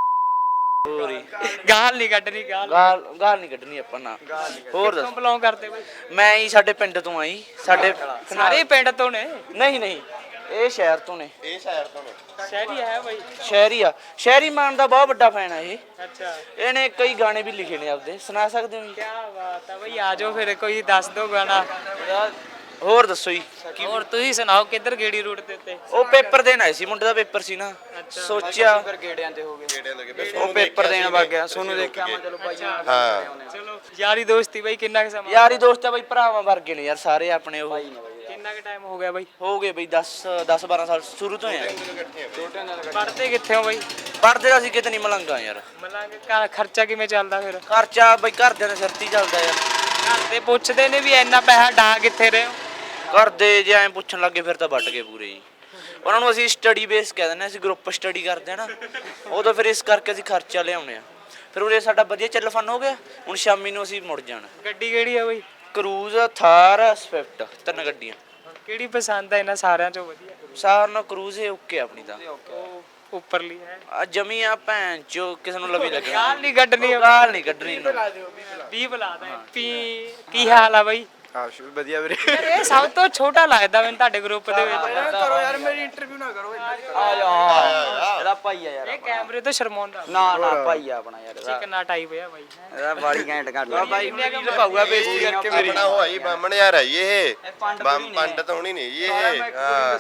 ਹੋਰੀ ਗਾਲ ਨਹੀਂ ਕੱਢਣੀ ਗਾਲ ਗਾਲ ਗਾਲ ਨਹੀਂ ਕੱਢਣੀ ਆਪਾਂ ਨਾ ਹੋਰ ਕਿਉਂ ਦੱਸ ਬਲੌਂਗ ਕਰਦੇ ਬਾਈ ਮੈਂ ਜੀ ਸਾਡੇ ਪਿੰਡ ਤੋਂ ਆ ਜੀ ਸਾਡੇ ਸਾਰੇ ਪਿੰਡ ਤੋਂ ਨੇ ਨਹੀਂ ਨਹੀਂ ਇਹ ਸ਼ਹਿਰ ਤੋਂ ਨੇ ਇਹ ਸ਼ਹਿਰ ਤੋਂ ਨੇ ਸ਼ਹਿਰੀ ਹੈ ਬਾਈ ਸ਼ਹਿਰੀ ਆ ਸ਼ਹਿਰੀ ਮਾਨ ਦਾ ਬਹੁਤ ਵੱਡਾ ਫੈਨ ਆ ਇਹ ਅੱਛਾ ਇਹਨੇ ਕਈ ਗਾਣੇ ਵੀ ਲਿਖੇ ਨੇ ਆਪਦੇ ਸੁਣਾ ਸਕਦੇ ਹੋ ਜੀ ਕੀ ਬਾਤ ਆ ਬਈ ਆ ਜਾਓ ਫਿਰ ਕੋਈ ਦੱਸ ਦਿਓ ਗਾਣਾ ਹੋਰ ਦੱਸੋ ਜੀ ਹੋਰ ਤੁਸੀਂ ਸੁਣਾਓ ਕਿੱਧਰ ਗੇੜੀ ਰੂਟ ਦੇ ਉੱਤੇ ਉਹ ਪੇਪਰ ਦੇਣ ਆਏ ਸੀ ਮੁੰਡੇ ਦਾ ਪੇਪਰ ਸੀ ਨਾ ਸੋਚਿਆ ਗੇੜਿਆਂ ਤੇ ਹੋ ਗਏ ਉਹ ਪੇਪਰ ਦੇਣ ਵਗ ਗਿਆ ਸੋਨੂੰ ਦੇਖਿਆ ਮੈਂ ਚਲੋ ਭਾਈ ਚਲੋ ਯਾਰੀ ਦੋਸਤੀ ਬਾਈ ਕਿੰਨਾ ਕੁ ਸਮਾਂ ਯਾਰੀ ਦੋਸਤ ਆ ਬਈ ਭਰਾਵਾਂ ਵਰਗੇ ਨੇ ਯਾਰ ਸਾਰੇ ਆਪਣੇ ਉਹ ਕਿੰਨਾ ਕੁ ਟਾਈਮ ਹੋ ਗਿਆ ਬਾਈ ਹੋ ਗਏ ਬਈ ਦਸ ਦਸ ਬਾਰਾਂ ਸਾਲ ਸ਼ੁਰੂ ਤੋਂ ਆ ਪੜ੍ਹਦੇ ਕਿੱਥੇ ਹੋ ਬਾਈ ਪੜਦੇ ਅਸੀਂ ਕਿਤੇ ਨਹੀਂ ਮਲੰਗਾ ਯਾਰ ਮਲਾਂਗੇ ਘਰ ਖਰਚਾ ਕਿਵੇਂ ਚੱਲਦਾ ਫਿਰ ਖਰਚਾ ਬਈ ਘਰਦਿਆਂ ਦੇ ਸਿਰ ਤੇ ਹੀ ਚੱਲਦਾ ਯਾਰ ਘਰ ਦੇ ਪੁੱਛਦੇ ਨੇ ਵੀ ਇੰਨਾ ਪੈਸਾ ਡਾ ਕਿੱਥੇ ਰਹੇ ਹੋ ਘਰਦੇ ਜੇ ਐਂ ਪੁੱਛਣ ਲੱਗੇ ਫਿਰ ਤਾਂ ਵੱਟ ਗਏ ਪੂਰੇ ਜੀ ਉਹਨਾਂ ਨੂੰ ਅਸੀਂ ਸਟੱਡੀ ਬੇਸ ਕਹਿ ਦਿੰਦੇ ਹਾਂ, ਅਸੀਂ ਗਰੁੱਪ ਸਟੱਡੀ ਕਰਦੇ ਆ ਨਾ ਉਦੋਂ ਫਿਰ ਇਸ ਕਰਕੇ ਅਸੀਂ ਖਰਚਾ ਲਿਆਉਂਦੇ ਆ ਫਿਰ ਉਰੇ ਸਾਡਾ ਵਧੀਆ ਚੱਲ ਫਨ ਹੋ ਗਿਆ ਹੁਣ ਸ਼ਾਮੀ ਨੂੰ ਅਸੀਂ ਮੁੜ ਜਾਣਾ ਗੱਡੀ ਕਿਹੜੀ ਆ ਬਾਈ ਕਰੂਜ਼ ਥਾਰ ਸਵਿਫਟ ਤਿੰਨ ਗੱਡੀਆਂ ਕਿਹੜੀ ਪਸੰਦ ਆ ਇਹਨਾਂ ਸਾਰਿਆਂ ਚੋਂ ਵਧੀਆ ਸਾਰ ਨਾਲ ਕਰੂਜ਼ ਹੀ ਓਕੇ ਆਪਣੀ ਤਾਂ ਉਹ ਉੱਪਰਲੀ ਹੈ ਆ ਜਮੀ ਆ ਭੈਣ ਚੋ ਕਿਸੇ ਨੂੰ ਲਵੀ ਲੱਗਣਾ ਗਾਲ ਨਹੀਂ ਕੱਢਣੀ ਗਾਲ ਨਹੀਂ ਕੱਢਣੀ ਵੀਹ ਬੁਲਾਦਾ ਪੀ ਕੀ ਹਾਲ ਆ ਬਾਈ ਆਸ਼ ਵਧੀਆ ਵੀਰੇ ਯਾਰ ਇਹ ਸਭ ਤੋਂ ਛੋਟਾ ਲੱਗਦਾ ਮੈਨੂੰ ਤੁਹਾਡੇ ਗਰੁੱਪ ਦੇ ਵਿੱਚ ਕਰੋ ਯਾਰ ਮੇਰੀ ਇੰਟਰਵਿਊ ਨਾ ਕਰੋ ਆ ਜਾ ਇਹਦਾ ਭਾਈ ਆ ਯਾਰ ਇਹ ਕੈਮਰੇ ਤੋਂ ਸ਼ਰਮਾਉਂਦਾ ਨਾ ਨਾ ਭਾਈ ਆ ਆਪਣਾ ਯਾਰ ਚਿਕਨਾ ਟਾਈਪ ਆ ਬਾਈ ਇਹਦਾ ਬਾੜੀ ਘੈਂਟ ਕਰ ਆ ਭਾਈ ਹੁਣ ਪਾਊਗਾ ਬੇਇੱਜ਼ਤੀ ਕਰਕੇ ਮੇਰੀ ਆਪਣਾ ਹੋਈ ਬਾਹਮਣ ਯਾਰ ਹੈ ਇਹ ਪੰਡਤ ਹੋਣੀ ਨਹੀਂ ਜੀ ਇਹ ਹਾਂ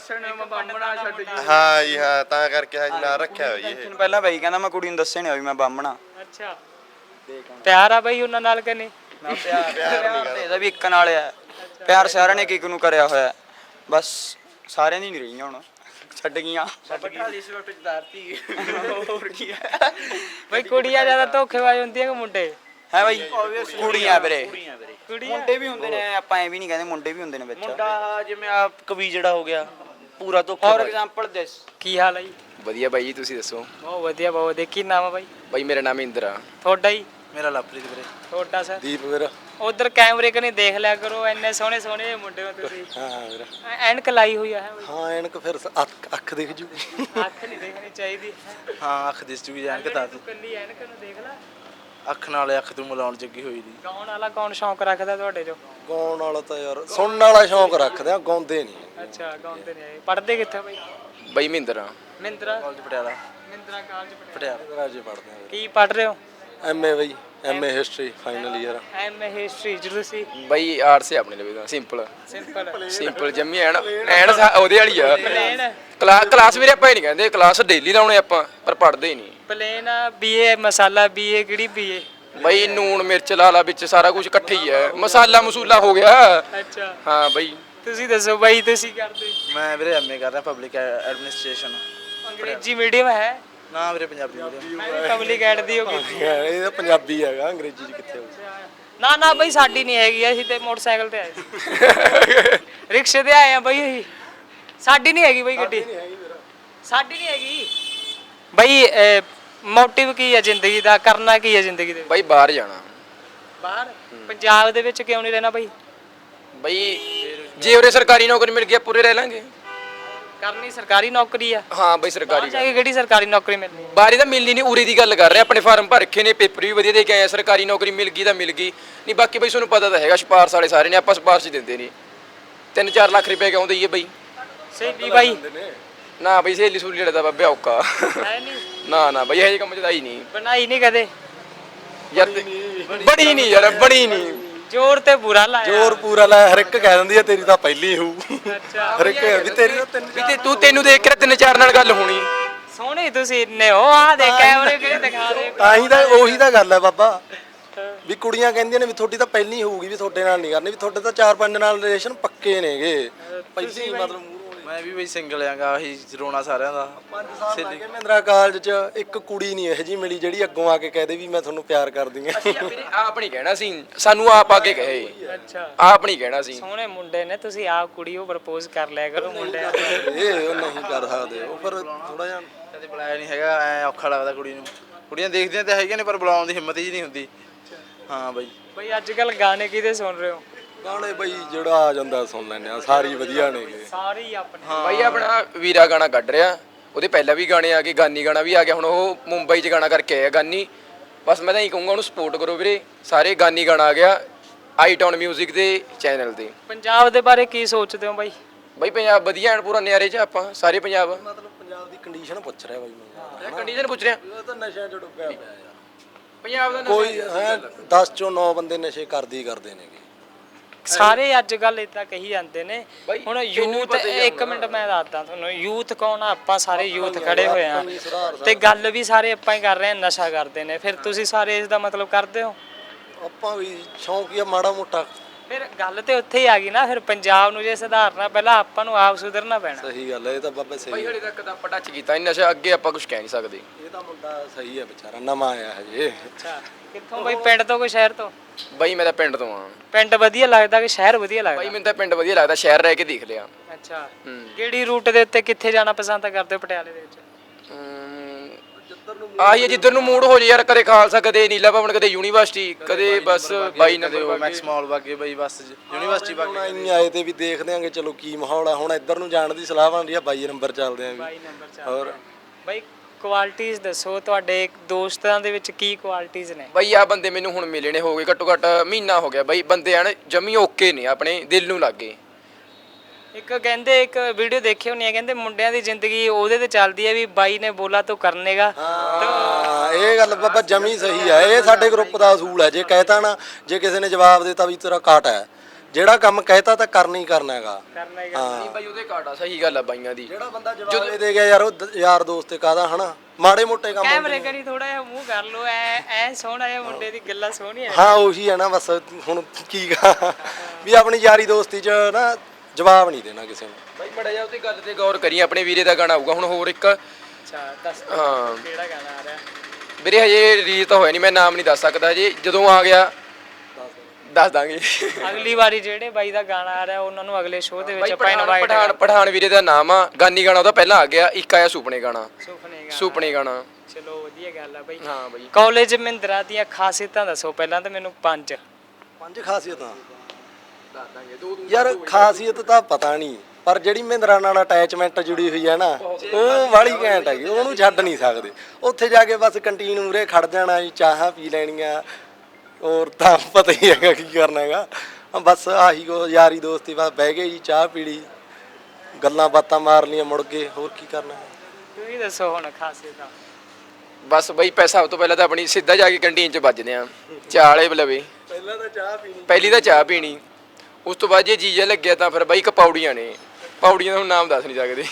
ਹਾਂ ਜੀ ਹਾਂ ਤਾਂ ਕਰਕੇ ਹਜ ਨਾ ਰੱਖਿਆ ਹੋਈ ਇਹ ਦਿਨ ਪਹਿਲਾਂ ਬਾਈ ਕਹਿੰਦਾ ਮੈਂ ਕੁੜੀ ਨੂੰ ਦੱਸਿਆ ਨਹੀਂ ਹੋਈ ਮੈਂ ਬਾਹਮਣਾ ਅੱਛਾ ਪਿਆਰ ਆ ਬਾਈ ਉਹਨਾਂ ਨਾਲ ਕਿ ਨਹੀਂ ਨਾ ਪਿਆਰ ਪਿਆਰ ਤੇ ਇਹਦਾ ਵੀ ਇੱਕ ਨਾਲ ਆ ਪਿਆਰ ਸਾਰਿਆਂ ਨੇ ਕਿਕ ਨੂੰ ਕਰਿਆ ਹੋਇਆ ਬਸ ਸਾਰਿਆਂ ਦੀ ਨਹੀਂ ਰਹੀਆਂ ਹੁਣ ਛੱਡ ਗਈਆਂ ਛੱਡ ਗਈ ਸਵਿਫਟ ਚ ਦਾਰਤੀ ਹੋਰ ਕੀ ਹੈ ਬਾਈ ਕੁੜੀਆਂ ਜ਼ਿਆਦਾ ਧੋਖੇਬਾਜ਼ ਹੁੰਦੀਆਂ ਕਿ ਮੁੰਡੇ ਹੈ ਬਾਈ ਕੁੜੀਆਂ ਵੀਰੇ ਕੁੜੀਆਂ ਮੁੰਡੇ ਵੀ ਹੁੰਦੇ ਨੇ ਆਪਾਂ ਐ ਵੀ ਨਹੀਂ ਕਹਿੰਦੇ ਮੁੰਡੇ ਵੀ ਹੁੰਦੇ ਨੇ ਵਿੱਚ ਮੁੰਡਾ ਜਿਵੇਂ ਆ ਕਵੀ ਜਿਹੜਾ ਹੋ ਗਿਆ ਪੂਰਾ ਧੋਖਾ ਫੋਰ ਐਗਜ਼ਾਮਪਲ ਦਿਸ ਕੀ ਹਾਲ ਹੈ ਜੀ ਵਧੀਆ ਬਾਈ ਜੀ ਤੁਸੀਂ ਦੱਸੋ ਬਹੁਤ ਵਧੀਆ ਬਹੁਤ ਵਧੀਆ ਕੀ ਨਾਮ ਆ ਬਾਈ ਬਾਈ ਮੇਰਾ ਨਾਮ ਇੰਦਰ ਆ ਤੁਹਾਡਾ ਹੀ ਮੇਰਾ ਲਵਪ੍ਰੀਤ ਵੀਰੇ ਤੁਹਾਡਾ ਸਰ ਦੀਪ ਮੇਰਾ ਉਧਰ ਕੈਮਰੇ ਕਨੇ ਦੇਖ ਲਿਆ ਕਰੋ ਇੰਨੇ ਸੋਹਣੇ ਸੋਹਣੇ ਜਿਹੇ ਮੁੰਡੇ ਹੋ ਤੁਸੀਂ ਹਾਂ ਹਾਂ ਵੀਰਾ ਐ- ਐਨਕ ਲਾਈ ਹੋਈ ਆ ਹੈ ਬਾਈ ਹਾਂ ਐਨਕ ਫਿਰ ਸ- ਅੱਖ ਅੱਖ ਦਿਖ ਜੂ ਅੱਖ ਨਹੀਂ ਦੇਖਣੀ ਚਾਹੀਦੀ ਹਾਂ ਅੱਖ ਦਿਸ ਜੂਗੀ ਜਾਣ ਕੇ ਤਾਂ ਤੂੰ ਕੱਲੀ ਐਨਕ ਨੂੰ ਦੇਖ ਲੈ ਅੱਖ ਨਾਲ ਅੱਖ ਤੂੰ ਮਿਲਾਉਣ ਜੱਗੀ ਹੋਈ ਦੀ ਗਾਉਣ ਵਾਲਾ ਕੌਣ ਸ਼ੌਂਕ ਰੱਖਦਾ ਤੁਹਾਡੇ ਚੋਂ ਗਾਉਣ ਵਾਲਾ ਤਾਂ ਯਾਰ ਸੁਣਨ ਵਾਲਾ ਸ਼ੌਂਕ ਰੱਖਦੇ ਆ ਗਾਉਂਦੇ ਨਹੀਂ ਅੱਛਾ ਗਾਉਂਦੇ ਨੇ ਪੜਦੇ ਕਿੱਥੇ ਬਾਈ ਬਾਈ ਮਹਿੰਦਰ ਆ ਮਿੰਦਰਾ ਕਾਲਜ ਪਟਿਆਲਾ ਮਿੰਦਰਾ ਕਾਲਜ ਪੜਿਆ ਪਟਿਆਲਾ ਰਾਜੇ ਪੜਦੇ ਆ ਕੀ ਪੜ ਰਹੇ ਹੋ ਐਮਏ ਬਾਈ MA history final year M history ਜਰੂਰ ਸੀ ਬਾਈ ਆਰਟਸ ਆਪਣੇ ਲਈ ਤਾਂ ਸਿੰਪਲ ਸਿੰਪਲ ਸਿੰਪਲ ਜੰਮੀ ਐਨ ਐਨ ਸਾ- ਉਹਦੇ ਵਾਲੀ ਆ ਪਲੇਨ ਕਲਾਸ ਕਲਾਸ ਵੀਰੇ ਆਪਾਂ ਹੀ ਨਹੀਂ ਕਹਿੰਦੇ ਕਲਾਸ ਡੇਲੀ ਲਾਉਣੇ ਆਪਾਂ ਪਰ ਪੜ੍ਹਦੇ ਹੀ ਨਹੀਂ ਪਲੇਨ ਬੀਏ ਮਸਾਲਾ ਬੀਏ ਕਿਹੜੀ ਬੀਏ ਬਾਈ ਨੂਣ ਮਿਰਚ ਲਾਲਾ ਵਿੱਚ ਸਾਰਾ ਕੁਝ ਇਕੱਠੇ ਹੀ ਹੈ ਮਸਾਲਾ ਮਸੂਲਾ ਹੋ ਗਿਆ ਅੱਛਾ ਹਾਂ ਬਾਈ ਤੁਸੀਂ ਦੱਸੋ ਬਾਈ ਤੁਸੀਂ ਕਰਦੇ ਮੈਂ ਵੀਰੇ ਐਮਏ ਕਰ ਰਿਹਾ ਪਬਲਿਕ ਐਡਮਿਨਿਸਟ੍ਰੇਸ਼ਨ ਅੰਗਰੇਜ਼ੀ ਮੀਡੀਅਮ ਹੈ ਨਾ ਵੀਰੇ ਪੰਜਾਬੀ ਵੀਰੇ ਮੈਂ ਵੀ ਪਬਲਿਕ ਐਡ ਦੀ ਹੋ ਗਈ ਇਹ ਤਾਂ ਪੰਜਾਬੀ ਹੈਗਾ ਅੰਗਰੇਜ਼ੀ ਚ ਕਿੱਥੇ ਹੋਊ ਨਾ ਨਾ ਬਾਈ ਸਾਡੀ ਨਹੀਂ ਹੈਗੀ ਅਸੀਂ ਤੇ ਮੋਟਰਸਾਈਕਲ ਤੇ ਆਏ ਸੀ ਰਿਕਸ਼ੇ ਤੇ ਆਏ ਆ ਬਾਈ ਅਸੀਂ ਸਾਡੀ ਨਹੀਂ ਹੈਗੀ ਬਾਈ ਗੱਡੀ ਸਾਡੀ ਨਹੀਂ ਹੈਗੀ ਬਾਈ ਮੋਟਿਵ ਕੀ ਹੈ ਜ਼ਿੰਦਗੀ ਦਾ ਕਰਨਾ ਕੀ ਹੈ ਜ਼ਿੰਦਗੀ ਦੇ ਵਿੱਚ ਬਾਈ ਬਾਹਰ ਜਾਣਾ ਬਾਹਰ ਪੰਜਾਬ ਦੇ ਵਿੱਚ ਕਿਉਂ ਨਹੀਂ ਰਹਿਣਾ ਬਾਈ ਬਾਈ ਜੇ ਉਰੇ ਸਰਕਾਰੀ ਨੌਕਰੀ ਮਿਲ ਗਈ ਪੂਰੇ ਰਹਿ ਲਾਂਗੇ ਕਰਨੀ ਸਰਕਾਰੀ ਨੌਕਰੀ ਆ ਹਾਂ ਬਾਈ ਸਰਕਾਰੀ ਜਾ ਕੇ ਕਿਹੜੀ ਸਰਕਾਰੀ ਨੌਕਰੀ ਮਿਲਣੀ ਬਾਰੀ ਤਾਂ ਮਿਲਣੀ ਨਹੀਂ ਉਰੇ ਦੀ ਗੱਲ ਕਰ ਰਹੇ ਆਪਣੇ ਫਾਰਮ ਭਰ ਰੱਖੇ ਨੇ ਪੇਪਰ ਵੀ ਵਧੀਆ ਦੇ ਕੇ ਆਏ ਆ, ਸਰਕਾਰੀ ਨੌਕਰੀ ਮਿਲ ਗਈ ਤਾਂ ਮਿਲ ਗਈ ਨਹੀਂ ਬਾਕੀ ਬਈ ਤੁਹਾਨੂੰ ਪਤਾ ਤਾਂ ਹੈਗਾ ਸਿਫਾਰਸ਼ ਵਾਲੇ ਸਾਰੇ ਨੇ ਆਪਾਂ ਸਿਫਾਰਸ਼ ਹੀ ਦਿੰਦੇ ਨਹੀਂ ਤਿੰਨ ਚਾਰ ਲੱਖ ਰੁਪਏ ਕਿਉਂ ਦਈਏ ਬਈ ਸਹੀ ਬਾਈ ਨਾ ਬਈ ਸਹੇਲੀ ਸੂਲੀ ਲੜਦਾ ਬਾਬੇ ਔਕਾ ਹੈ ਨਹੀਂ ਨਾ ਨਾ ਬਈ ਇਹ ਜਿਹੇ ਕੰਮ ਚ ਤਾਂ ਹੀ ਨਹੀਂ ਬਣਾਈ ਨਹੀਂ ਕਦੇ ਯਾਰ ਤੇ- ਬਣੀ ਨਹੀਂ ਯਾਰ ਬਣੀ ਨਹੀਂ ਜ਼ੋਰ ਤੇ ਬੁਰਾ ਲਾਇਆ ਜ਼ੋਰ ਪੂਰਾ ਲਾਇਆ ਹਰ ਇੱਕ ਕਹਿ ਦਿੰਦੀ ਆ ਤੇਰੀ ਤਾਂ ਪਹਿਲੀ ਹੋਊ ਅੱਛਾ ਹਰ ਇੱਕ ਵੀ ਤੇਰੀ ਤਾਂ ਤਿੰਨ ਵੀ ਤੇ ਤੂੰ ਤੈਨੂੰ ਦੇਖ ਕੇ ਤਿੰਨ ਚਾਰ ਨਾਲ ਗੱਲ ਹੋਣੀ ਸੋਹਣੇ ਤੁਸੀਂ ਇੰਨੇ ਹੋ ਆ ਦੇ ਕੈਮਰੇ ਕਿਹੜੇ ਦਿਖਾ ਰਹੇ ਤਾਂ ਹੀ ਤਾਂ ਉਹੀ ਤਾਂ ਗੱਲ ਹੈ ਬਾਬਾ ਵੀ ਕੁੜੀਆਂ ਕਹਿੰਦੀਆਂ ਨੇ ਵੀ ਤੁਹਾਡੀ ਤਾਂ ਪਹਿਲੀ ਹੋਊਗੀ ਵੀ ਤੁਹਾਡੇ ਨਾਲ ਨਹੀਂ ਕਰਨੀ ਵੀ ਤੁਹਾਡੇ ਤਾਂ ਚਾਰ ਪੰਜ ਨਾਲ ਰਿਲੇਸ਼ਨ ਪੱਕੇ ਨੇਗੇ ਪਹਿਲੀ ਮਤਲਬ ਮੈਂ ਵੀ ਬਈ ਸਿੰਗਲ ਆਂਗਾ ਆਹੀ ਰੋਣਾ ਸਾਰਿਆਂ ਦਾ ਸੇਲੀ ਮਹਿੰਦਰਾ ਕਾਲਜ ਚ ਇੱਕ ਕੁੜੀ ਨਹੀਂ ਇਹੋ ਜੀ ਮਿਲੀ ਜਿਹੜੀ ਅੱਗੋਂ ਆ ਕੇ ਕਹਦੇ ਵੀ ਮੈਂ ਤੁਹਾਨੂੰ ਪਿਆਰ ਕਰਦੀ ਆ ਵੀਰੇ ਆਪ ਨਹੀਂ ਕਹਿਣਾ ਸੀ ਸਾਨੂੰ ਆਪ ਆ ਕੇ ਕਹੇ ਅੱਛਾ ਆਪ ਨਹੀਂ ਕਹਿਣਾ ਸੀ ਸੋਹਣੇ ਮੁੰਡੇ ਨੇ ਤੁਸੀਂ ਆਪ ਕੁੜੀ ਉਹ ਪ੍ਰਪੋਜ਼ ਕਰ ਲਿਆ ਕਰੋ ਮੁੰਡੇ ਇਹ ਉਹ ਨਹੀਂ ਕਰ ਸਕਦੇ ਉਹ ਪਰ ਥੋੜਾ ਜਿਹਾ ਕਦੇ ਬੁਲਾਇਆ ਨਹੀਂ ਹੈਗਾ ਐ ਔਖਾ ਲੱਗਦਾ ਕੁੜੀ ਨੂੰ ਕੁੜੀਆਂ ਦੇਖਦੀਆਂ ਤਾਂ ਹੈਗੀਆਂ ਨੇ ਪਰ ਬੁਲਾਉਣ ਦੀ ਹਿੰਮਤ ਹੀ ਨਹੀਂ ਹੁੰਦੀ ਹਾਂ ਬਈ ਬਈ ਅੱਜ ਕੱਲ ਗਾਣੇ ਕਿਹਦੇ ਸੁਣ ਰਹੇ ਹੋ ਗਾਣੇ ਬਈ ਜਿਹੜਾ ਆ ਜਾਂਦਾ ਸੁਣ ਲੈਂਦੇ ਆ ਸਾਰੀ ਵਧੀਆ ਨੇਗੇ ਸਾਰੇ ਹੀ ਆਪਣੇ ਬਾਈ ਆਪਣਾ ਵੀਰਾ ਗਾਣਾ ਕੱਢ ਰਿਹਾ ਉਹਦੇ ਪਹਿਲਾਂ ਵੀ ਗਾਣੇ ਆ ਗਏ ਗਾਨੀ ਗਾਣਾ ਵੀ ਆ ਗਿਆ ਹੁਣ ਉਹ ਮੁੰਬਈ 'ਚ ਗਾਣਾ ਕਰਕੇ ਆਇਆ ਗਾਨੀ ਬਸ ਮੈਂ ਤਾਂ ਇਹੀ ਕਹੂੰਗਾ ਉਹਨੂੰ ਸਪੋਰਟ ਕਰੋ ਵੀਰੇ ਸਾਰੇ ਗਾਨੀ ਗਾਣਾ ਆ ਗਿਆ ਆਈਟੌਨ 뮤직 ਦੇ ਚੈਨਲ ਤੇ ਪੰਜਾਬ ਦੇ ਬਾਰੇ ਕੀ ਸੋਚਦੇ ਹੋ ਬਾਈ ਬਾਈ ਪੰਜਾਬ ਵਧੀਆ ਐਨ ਪੂਰਾ ਨਿਆਰੇ 'ਚ ਆਪਾਂ ਸਾਰੇ ਪੰਜਾਬ ਮਤਲਬ ਪੰਜਾਬ ਦੀ ਕੰਡੀਸ਼ਨ ਪੁੱਛ ਰਿਹਾ ਬਾਈ ਮੈਨੂੰ ਕੰਡੀਸ਼ਨ ਪੁੱਛ ਰਿਹਾ ਇਹ ਤਾਂ ਨਸ਼ਿਆਂ 'ਚ ਡੁੱਬਿਆ ਪਿਆ ਯਾਰ ਪੰਜਾਬ ਦਾ ਕੋਈ ਹੈ ਦਸ ਚੋਂ ਨੌ ਬੰਦੇ ਨਸ਼ੇ ਕਰਦੇ ਹੀ ਕਰਦੇ ਨੇਗੇ ਸਾਰੇ ਅੱਜ ਕੱਲ ਇਦਾਂ ਕਹੀ ਜਾਂਦੇ ਨੇ ਬਾਈ, ਹੁਣ ਤੈਨੂੰ ਵੀ ਯੂਥ ਪਤਾ ਹੀ ਆ ਇੱਕ ਮਿੰਟ ਮੈਂ ਦੱਸਦਾ ਤੁਹਾਨੂੰ ਯੂਥ ਕੌਣ ਆ ਆਪਾਂ ਸਾਰੇ ਯੂਥ ਖੜੇ ਹੋਏ ਆ ਤੇ ਗੱਲ ਵੀ ਸਾਰੇ ਆਪਾਂ ਹੀ ਕਰ ਰਹੇ ਆ ਨਸ਼ਾ ਕਰਦੇ ਨੇ ਫਿਰ ਤੁਸੀਂ ਸਾਰੇ ਇਸ ਦਾ ਮਤਲਬ ਕਰਦੇ ਹੋ ਆਪਾਂ ਵੀ ਸ਼ੌਂਕੀਆ ਮਾੜਾ ਮੋਟਾ ਫਿਰ ਗੱਲ ਤੇ ਉੱਥੇ ਹੀ ਆ ਗਈ ਨਾ ਫਿਰ ਪੰਜਾਬ ਨੂੰ ਜੇ ਸੁਧਾਰਨਾ ਪਹਿਲਾਂ ਆਪਾਂ ਨੂੰ ਆਪ ਸੁਧਰਨਾ ਪੈਣਾ ਸਹੀ ਗੱਲ ਹੈ ਇਹ ਤਾਂ ਬਾਬਾ ਬਾਈ ਸਹੀ ਹਲੇ ਤੱਕ ਤਾਂ ਆਪਾਂ ਟੱਚ ਕੀਤਾ ਨਹੀਂ ਨਸ਼ਾ ਅੱਗੇ ਆਪਾਂ ਕੁਝ ਕਹਿ ਨਹੀਂ ਸਕਦੇ ਇਹ ਤਾਂ ਮੁੰਡਾ ਸਹੀ ਹੈ ਵਿਚਾਰਾ ਨਵਾਂ ਆਇਆ ਹਜੇ ਅੱਛਾ ਕਿੱਥੋਂ ਬਾਈ ਪਿੰਡ ਤੋਂ ਕੋਈ ਸ਼ਹਿਰ ਤੋਂ ਬਾਈ ਮੈਂ ਤਾਂ ਪਿੰਡ ਤੋਂ ਆ ਪਿੰਡ ਵਧੀਆ ਲੱਗਦਾ ਕਿ ਸ਼ਹਿਰ ਵਧੀਆ ਬਾਈ ਲੱਗਦਾ ਮੈਨੂੰ ਤਾਂ ਪਿੰਡ ਵਧੀਆ ਲੱਗਦਾ ਸ਼ਹਿਰ ਰਹਿ ਕੇ ਦੇਖ ਲਿਆ ਅੱਛਾ ਹੂੰ। ਕਿਹੜੀ ਰੂਟ ਦੇ ਉੱਤੇ ਕਿੱਥੇ ਜਾਣਾ ਪਸੰਦ ਕਰਦੇ ਹੋ ਪਟਿਆਲੇ ਦੇ ਵਿੱਚ ਆਹੀ ਹੈ ਜਿੱਧਰ ਨੂੰ ਮੂਡ ਹੋ ਜੇ ਯਾਰ, ਕਦੇ ਖਾਲਸਾ, ਕਦੇ ਨੀਲਾ ਭਵਨ, ਕਦੇ ਯੂਨੀਵਰਸਿਟੀ, ਕਦੇ ਬਸ ਬਾਈ ਨੰਬਰ ਬਾਗੇ। ਮੈਕਸ ਮਾਲ ਵਾਗੇ ਬਈ ਬਸ ਯੂਨੀਵਰਸਿਟੀ ਹੁਣ ਵਾਗੇ ਇੰਨੀ ਆਏ ਤੇ ਵੀ ਦੇਖਦੇ ਆਂਗੇ ਚਲੋ ਕੀ ਮਾਹੌਲ ਆ ਹੁਣ ਇੱਧਰ ਨੂੰ ਜਾਣ ਦੀ ਸਲਾਹ ਬਣ ਰਹੀ ਆ ਬਾਈ ਨੰਬਰ ਚੱਲਦੇ ਆਂ ਬਾਈ ਵੀ ਨੰਬਰ ਚਾਰ ਹੋਰ ਬਾਈ ਕੁਆਲਿਟੀਆਂ ਦੱਸੋ ਤੁਹਾਡੇ ਦੋਸਤਾਂ ਦੇ ਵਿੱਚ ਕੀ ਕੁਆਲਿਟੀਆਂ ਨੇ ਬਾਈ ਆ ਬੰਦੇ ਮੈਨੂੰ ਹੁਣ ਮਿਲੇ ਨੇ ਹੋ ਗਏ ਘੱਟੋ ਘੱਟ ਮਹੀਨਾ ਹੋ ਗਿਆ ਬਾਈ, ਬੰਦੇ ਆਣ ਜਮੀ ਓਕੇ ਨੇ ਆਪਣੇ ਦਿਲ ਨੂੰ ਲੱਗੇ। ਇੱਕ ਕਹਿੰਦੇ ਇੱਕ ਵੀਡੀਓ ਦੇਖੀ ਹੋਣੀ ਹੈ ਕਹਿੰਦੇ ਮੁੰਡਿਆਂ ਦੀ ਜ਼ਿੰਦਗੀ ਉਹਦੇ ਤੇ ਚੱਲਦੀ ਹੈ ਵੀ ਬਾਈ ਨੇ ਬੋਲਾ ਤੋ ਕਰਨੇਗਾ ਹਾਂ ਇਹ ਗੱਲ ਬਾਬਾ ਜਮੀ ਸਹੀ ਆ ਇਹ ਸਾਡੇ ਗਰੁੱਪ ਦਾ ਅਸੂਲ ਹੈ ਜੇ ਕਹਿਤਾ ਨਾ ਜੇ ਕਿਸੇ ਨੇ ਜਵਾਬ ਦਿੱਤਾ ਵੀ ਤੇਰਾ ਕਾਟ ਹੈ ਜਿਹੜਾ ਕੰਮ ਕਹਿਤਾ ਤਾਂ ਕਰਨਾ ਹੀ ਕਰਨਾ ਹੈਗਾ ਕਰਨਾ ਹੀ ਹਾਂ ਨਹੀਂ ਬਾਈ ਉਹਦੇ ਕਾਟਾ ਸਹੀ ਗੱਲ ਆ ਬਾਈਆਂ ਦੀ। ਜਿਹੜਾ ਬੰਦਾ ਜਵਾਬ ਇਹ ਦੇ ਗਿਆ ਯਾਰ ਉਹ ਦ- ਯਾਰ ਦੋਸਤ ਤੇ ਕਾਹਦਾ ਹਨਾ ਮਾੜੇ ਮੋਟੇ ਕੰਮ ਕੈਮਰੇ ਕਰੀ ਥੋੜਾ ਜਿਹਾ ਮੂੰਹ ਕਰ ਲੋ ਐ ਐ ਸੋਹਣਾ ਜਿਹਾ ਮੁੰਡੇ ਦੀ ਗੱਲਾਂ ਸੋਹਣੀਆਂ ਹਾਂ ਉਹੀ ਹੈ ਨਾ ਬਸ ਹੁਣ ਕੀ ਕਹਾਂ ਵੀ ਆਪਣੀ ਯਾਰੀ ਦੋਸਤੀ 'ਚ ਨਾ ਜਵਾਬ ਨਹੀਂ ਦੇਣਾ ਕਿਸੇ ਨੂੰ ਬਾਈ ਮੜਾ ਜਾ ਉਹਦੀ ਗੱਲ ਤੇ ਗੌਰ ਕਰੀ, ਆਪਣੇ ਵੀਰੇ ਦਾ ਗਾਣਾ ਆਊਗਾ ਹੁਣ ਹੋਰ ਇੱਕ। ਅੱਛਾ ਦੱਸ ਹਾਂ ਕਿਹੜਾ ਗਾਣਾ ਆ ਰਿਹਾ ਵੀਰੇ ਹਜੇ ਰਿਲੀਜ਼ ਤਾਂ ਹੋਇਆ ਨਹੀਂ, ਮੈਂ ਨਾਮ ਨਹੀਂ ਦੱਸ ਸਕਦਾ ਜੀ, ਜਦੋਂ ਆ ਗਿਆ ਦੱਸ ਦਾਂਗੇ। ਅਗਲੀ ਵਾਰੀ ਜਿਹੜੇ ਬਾਈ ਦਾ ਗਾਣਾ ਆ ਰਿਹਾ ਉਹਨਾਂ ਨੂੰ ਅਗਲੇ ਸ਼ੋਅ ਦੇ ਵਿੱਚ ਬਾਈ ਆਪਾਂ ਪਠਾਨ ਇਨਵਾਈਟ ਪਠਾਨ ਪਠਾਨ ਵੀਰੇ ਦਾ ਨਾਮ ਆ, ਗਾਨੀ ਗਾਣਾ ਉਹਦਾ ਪਹਿਲਾਂ ਆ ਗਿਆ, ਇੱਕ ਆਇਆ ਸੁਪਨੇ ਗਾਣਾ। ਸੁਪਨੇ ਗਾਣਾ ਸੁਪਨੇ ਗਾਣਾ ਚਲੋ ਵਧੀਆ ਗੱਲ ਆ ਬਾਈ ਹਾਂ ਬਾਈ। ਕਾਲਜ ਮਹਿੰਦਰਾ ਦੀਆਂ ਖਾਸੀਅਤਾਂ ਦੱਸੋ ਪਹਿਲਾਂ ਤਾਂ ਮੈਨੂੰ ਪੰਜ ਪੰਜ ਖਾਸੀਅਤਾਂ ਦੱਸ ਦਾਂਗੇ ਦੋ ਯਾਰ ਖਾਸੀਅਤ ਤਾਂ ਪਤਾ ਨਹੀਂ ਪਰ ਜਿਹੜੀ ਮਹਿੰਦਰਾ ਨਾਲ ਅਟੈਚਮੈਂਟ ਜੁੜੀ ਹੋਈ ਹੈ ਨਾ ਉਹ ਵਾਲੀ ਘੈਂਟ ਹੈਗੀ ਉਹਨੂੰ ਛੱਡ ਨਹੀਂ ਸਕਦੇ। ਉੱਥੇ ਜਾ ਕੇ ਬਸ ਕੰਟੀਨ ਮੂਰੇ ਖੜ ਜਾਣਾ ਜੀ ਚਾਹਾਂ ਪੀ ਲੈਣੀਆਂ ਔਰ ਤਾਂ ਪਤਾ ਹੀ ਹੈਗਾ ਕੀ ਕਰਨਾ ਹੈਗਾ ਬਸ ਆਹੀ ਕੋ ਯਾਰੀ ਦੋਸਤੀ ਬਸ ਬਹਿ ਗਏ ਜੀ ਚਾਹ ਪੀ ਲਈ ਗੱਲਾਂ ਬਾਤਾਂ ਮਾਰ ਲੀਆਂ ਮੁੜ ਗਏ ਹੋਰ ਕੀ ਕਰਨਾ ਤੁਸੀਂ ਦੱਸੋ ਹੁਣ ਖਾਸੀਅਤਾਂ ਬਸ ਬਾਈ ਪੈਸਾ ਸਭ ਤੋਂ ਪਹਿਲਾਂ ਤਾਂ ਆਪਣੀ ਸਿੱਧਾ ਜਾ ਕੇ ਕੰਟੀਨ 'ਚ ਵੱਜਦੇ ਆ ਚਾਹ ਵਾਲੇ ਬਲਵੇ, ਪਹਿਲਾਂ ਤਾਂ ਚਾਹ ਪੀਣੀ ਪਹਿਲੀ ਤਾਂ ਚਾਹ ਪੀਣੀ, ਉਸ ਤੋਂ ਬਾਅਦ ਜੇ ਜੀਜਾ ਲੱਗਿਆ ਤਾਂ ਫਿਰ ਬਾਈ ਇੱਕ ਪੌੜੀਆਂ ਨੇ, ਪੌੜੀਆਂ ਦਾ ਹੁਣ ਨਾਮ ਦੱਸ ਨਹੀਂ ਸਕਦੇ।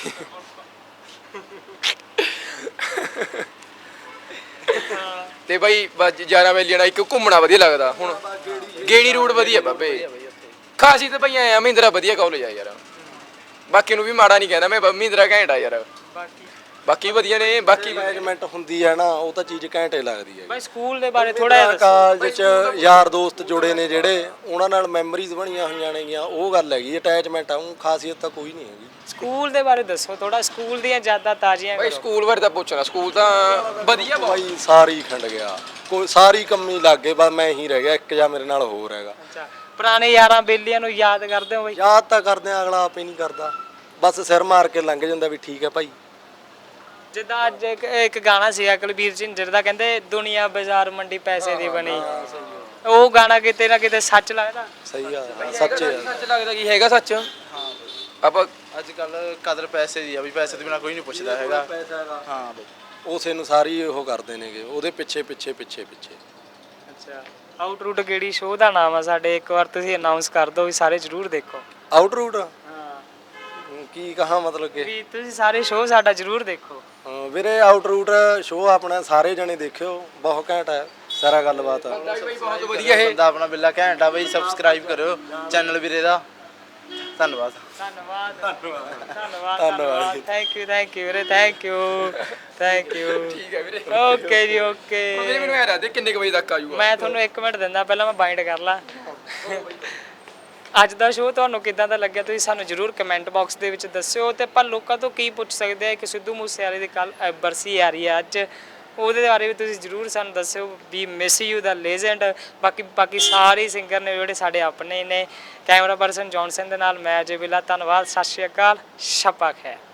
ਤੇ ਬਾਈ ਬਸ ਯਾਰਾਂ ਵੇਲੀਆਂ ਨਾਲ ਇੱਕ ਘੁੰਮਣਾ ਵਧੀਆ ਲੱਗਦਾ ਹੁਣ ਗੇੜੀ ਰੂਟ ਵਧੀਆ ਬਾਬੇ ਖਾਸੀ ਤੇ ਭਈਆ ਆ ਮਹਿੰਦਰਾ ਵਧੀਆ ਕਾਲਜ ਆ ਯਾਰ, ਬਾਕੀ ਨੂੰ ਵੀ ਮਾੜਾ ਨਹੀਂ ਕਹਿੰਦਾ ਮੈਂ, ਮਹਿੰਦਰਾ ਘੈਂਟ ਆ ਯਾਰ, ਬਾਕੀ ਬਾਕੀ ਵਧੀਆ ਨੇ। ਬਾਕੀ ਮੈਨੇਜਮੈਂਟ ਹੁੰਦੀ ਹੈ ਨਾ ਉਹ ਤਾਂ ਚੀਜ਼ ਘੈਂਟੇ ਲੱਗਦੀ ਹੈ ਬਾਈ ਸਕੂਲ ਦੇ ਬਾਰੇ ਥੋੜਾ ਜਿਹਾ ਦੱਸੋ ਕਾਲਜ 'ਚ ਯਾਰ ਦੋਸਤ ਜੁੜੇ ਨੇ ਜਿਹੜੇ ਉਹਨਾਂ ਨਾਲ ਮੈਮਰੀਜ਼ ਬਣੀਆਂ ਹੋਈਆਂ ਨੇਗੀਆਂ ਉਹ ਗੱਲ ਹੈਗੀ ਅਟੈਚਮੈਂਟ ਆ ਉਹ ਖਾਸੀਅਤ ਤਾਂ ਕੋਈ ਨਹੀਂ ਹੈਗੀ। ਸਕੂਲ ਦੇ ਬਾਰੇ ਦੱਸੋ ਥੋੜਾ ਸਕੂਲ ਦੀਆਂ ਯਾਦਾਂ ਤਾਜ਼ੀਆਂ ਬਾਈ ਕਰੋ ਸਕੂਲ ਬਾਰੇ ਤਾਂ ਪੁੱਛਣਾ, ਸਕੂਲ ਤਾਂ ਵਧੀਆ ਬਹੁਤ। ਬਾਈ ਸਾਰੀ ਖੰਡ ਗਿਆ ਕੋਈ ਸਾਰੀ ਕੰਮੀ ਲੱਗ ਗਏ ਬਸ ਮੈਂ ਹੀ ਰਹਿ ਗਿਆ ਇੱਕ ਜਾਂ ਮੇਰੇ ਨਾਲ ਹੋਰ ਹੈਗਾ। ਅੱਛਾ ਪੁਰਾਣੇ ਯਾਰਾਂ ਬੇਲੀਆਂ ਨੂੰ ਯਾਦ ਕਰਦੇ ਹੋ ਬਾਈ ਯਾਦ ਤਾਂ ਕਰਦੇ ਆ ਅਗਲਾ ਆਪੇ ਨਹੀਂ ਕਰਦਾ ਬਸ ਸਿਰ ਮਾਰ ਕੇ ਲੰਘ ਜਾਂਦਾ ਵੀ ਠੀਕ ਹੈ ਭਾਈ। ਜਿੱਦਾਂ ਅੱਜ ਇੱਕ ਇੱਕ ਗਾਣਾ ਸੀਗਾ ਕੁਲਬੀਰ ਝਿੰਜਰ ਦਾ ਕਹਿੰਦੇ ਦੁਨੀਆ ਬਾਜ਼ਾਰ ਮੰਡੀ ਪੈਸੇ ਦੀ ਬਣੀ, ਉਹ ਗਾਣਾ ਕਿਤੇ ਨਾ ਕਿਤੇ ਸੱਚ ਲੱਗਦਾ। ਸਹੀ ਆ ਸੱਚੇ ਆ ਸੱਚ ਲੱਗਦਾ ਕੀ ਹੈਗਾ ਸੱਚ। ਆਪਾਂ ਅੱਜ ਕੱਲ ਕਦਰ ਪੈਸੇ ਦੀ ਆ ਵੀ ਪੈਸੇ ਤੋਂ ਬਿਨਾ ਕੋਈ ਨਹੀਂ ਪੁੱਛਦਾ ਹੈਗਾ। ਹਾਂ ਬਈ ਉਸੇ ਨੂੰ ਸਾਰੀ ਉਹ ਕਰਦੇ ਨੇਗੇ ਉਹਦੇ ਪਿੱਛੇ ਪਿੱਛੇ ਪਿੱਛੇ ਪਿੱਛੇ। ਅੱਛਾ ਆਊਟ ਰੂਟ ਕਿਹੜੀ ਸ਼ੋਅ ਦਾ ਨਾਮ ਆ ਸਾਡੇ, ਇੱਕ ਵਾਰ ਤੁਸੀਂ ਅਨਾਉਂਸ ਕਰ ਦਿਓ ਵੀ ਸਾਰੇ ਜ਼ਰੂਰ ਦੇਖੋ। ਆਊਟ ਰੂਟ ਹਾਂ ਕੀ ਕਹਾਂ ਮਤਲਬ ਕਿ ਵੀ ਤੁਸੀਂ ਸਾਰੇ ਸ਼ੋਅ ਸਾਡਾ ਜ਼ਰੂਰ ਦੇਖੋ। ਹਾਂ ਵੀਰੇ ਆਊਟ ਰੂਟ ਸ਼ੋਅ ਆਪਣਾ ਸਾਰੇ ਜਣੇ ਦੇਖਿਓ ਬਹੁਤ ਘੈਂਟ ਹੈ ਸਾਰਾ ਗੱਲਬਾਤ ਆ। ਬਹੁਤ ਵਧੀਆ ਇਹ ਬੰਦਾ ਆਪਣਾ ਬਿੱਲਾ ਘੈਂਟਾ ਬਈ, ਸਬਸਕ੍ਰਾਈਬ ਕਰਿਓ ਚੈਨਲ ਵੀਰੇ ਦਾ। ਧੰਨਵਾਦ ਧੰਨਵਾਦ ਧੰਨਵਾਦ ਧੰਨਵਾਦ ਥੈਂਕ ਯੂ ਥੈਂਕ ਯੂ ਵੀਰੇ ਥੈਂਕ ਯੂ ਥੈਂਕ ਯੂ ਠੀਕ ਹੈ ਵੀਰੇ ਓਕੇ ਜੀ ਓਕੇ ਵੀਰੇ ਮੈਨੂੰ ਐ ਦੱਸ ਦੇ ਕਿੰਨੇ ਕੁ ਵਜੇ ਤੱਕ ਆਜੂਗਾ। ਮੈਂ ਤੁਹਾਨੂੰ ਇੱਕ ਮਿੰਟ ਦਿੰਦਾ ਪਹਿਲਾਂ ਮੈਂ ਬਾਈਂਡ ਕਰ ਲਾਂ। ਅੱਜ ਦਾ ਸ਼ੋਅ ਤੁਹਾਨੂੰ ਕਿੱਦਾਂ ਦਾ ਲੱਗਿਆ ਤੁਸੀਂ ਸਾਨੂੰ ਜਰੂਰ ਕਮੈਂਟ ਬਾਕਸ ਦੇ ਵਿੱਚ ਦੱਸਿਓ ਤੇ ਆਪਾਂ ਲੋਕਾਂ ਤੋਂ ਕੀ ਪੁੱਛ ਸਕਦੇ ਆ ਕਿ ਸਿੱਧੂ ਮੂਸੇਵਾਲੇ ਦੀ ਕੱਲ ਬਰਸੀ ਆ ਰਹੀ ਹੈ ਅੱਜ, ਉਹਦੇ ਬਾਰੇ ਵੀ ਤੁਸੀਂ ਜਰੂਰ ਸਾਨੂੰ ਦੱਸਿਓ ਵੀ ਮਿਸ ਯੂ ਦਾ ਲੈਜੈਂਡ। ਬਾਕੀ ਬਾਕੀ ਸਾਰੇ ਸਿੰਗਰ ਨੇ ਜਿਹੜੇ ਸਾਡੇ ਆਪਣੇ ਨੇ। ਕੈਮਰਾ ਪਰਸਨ ਜੌਨਸਨ ਦੇ ਨਾਲ ਮੈਂ ਅਜੇ ਬਿੱਲਾ, ਧੰਨਵਾਦ, ਸਤਿ ਸ਼੍ਰੀ ਅਕਾਲ, ਸ਼ਪਾ ਖੈਰ।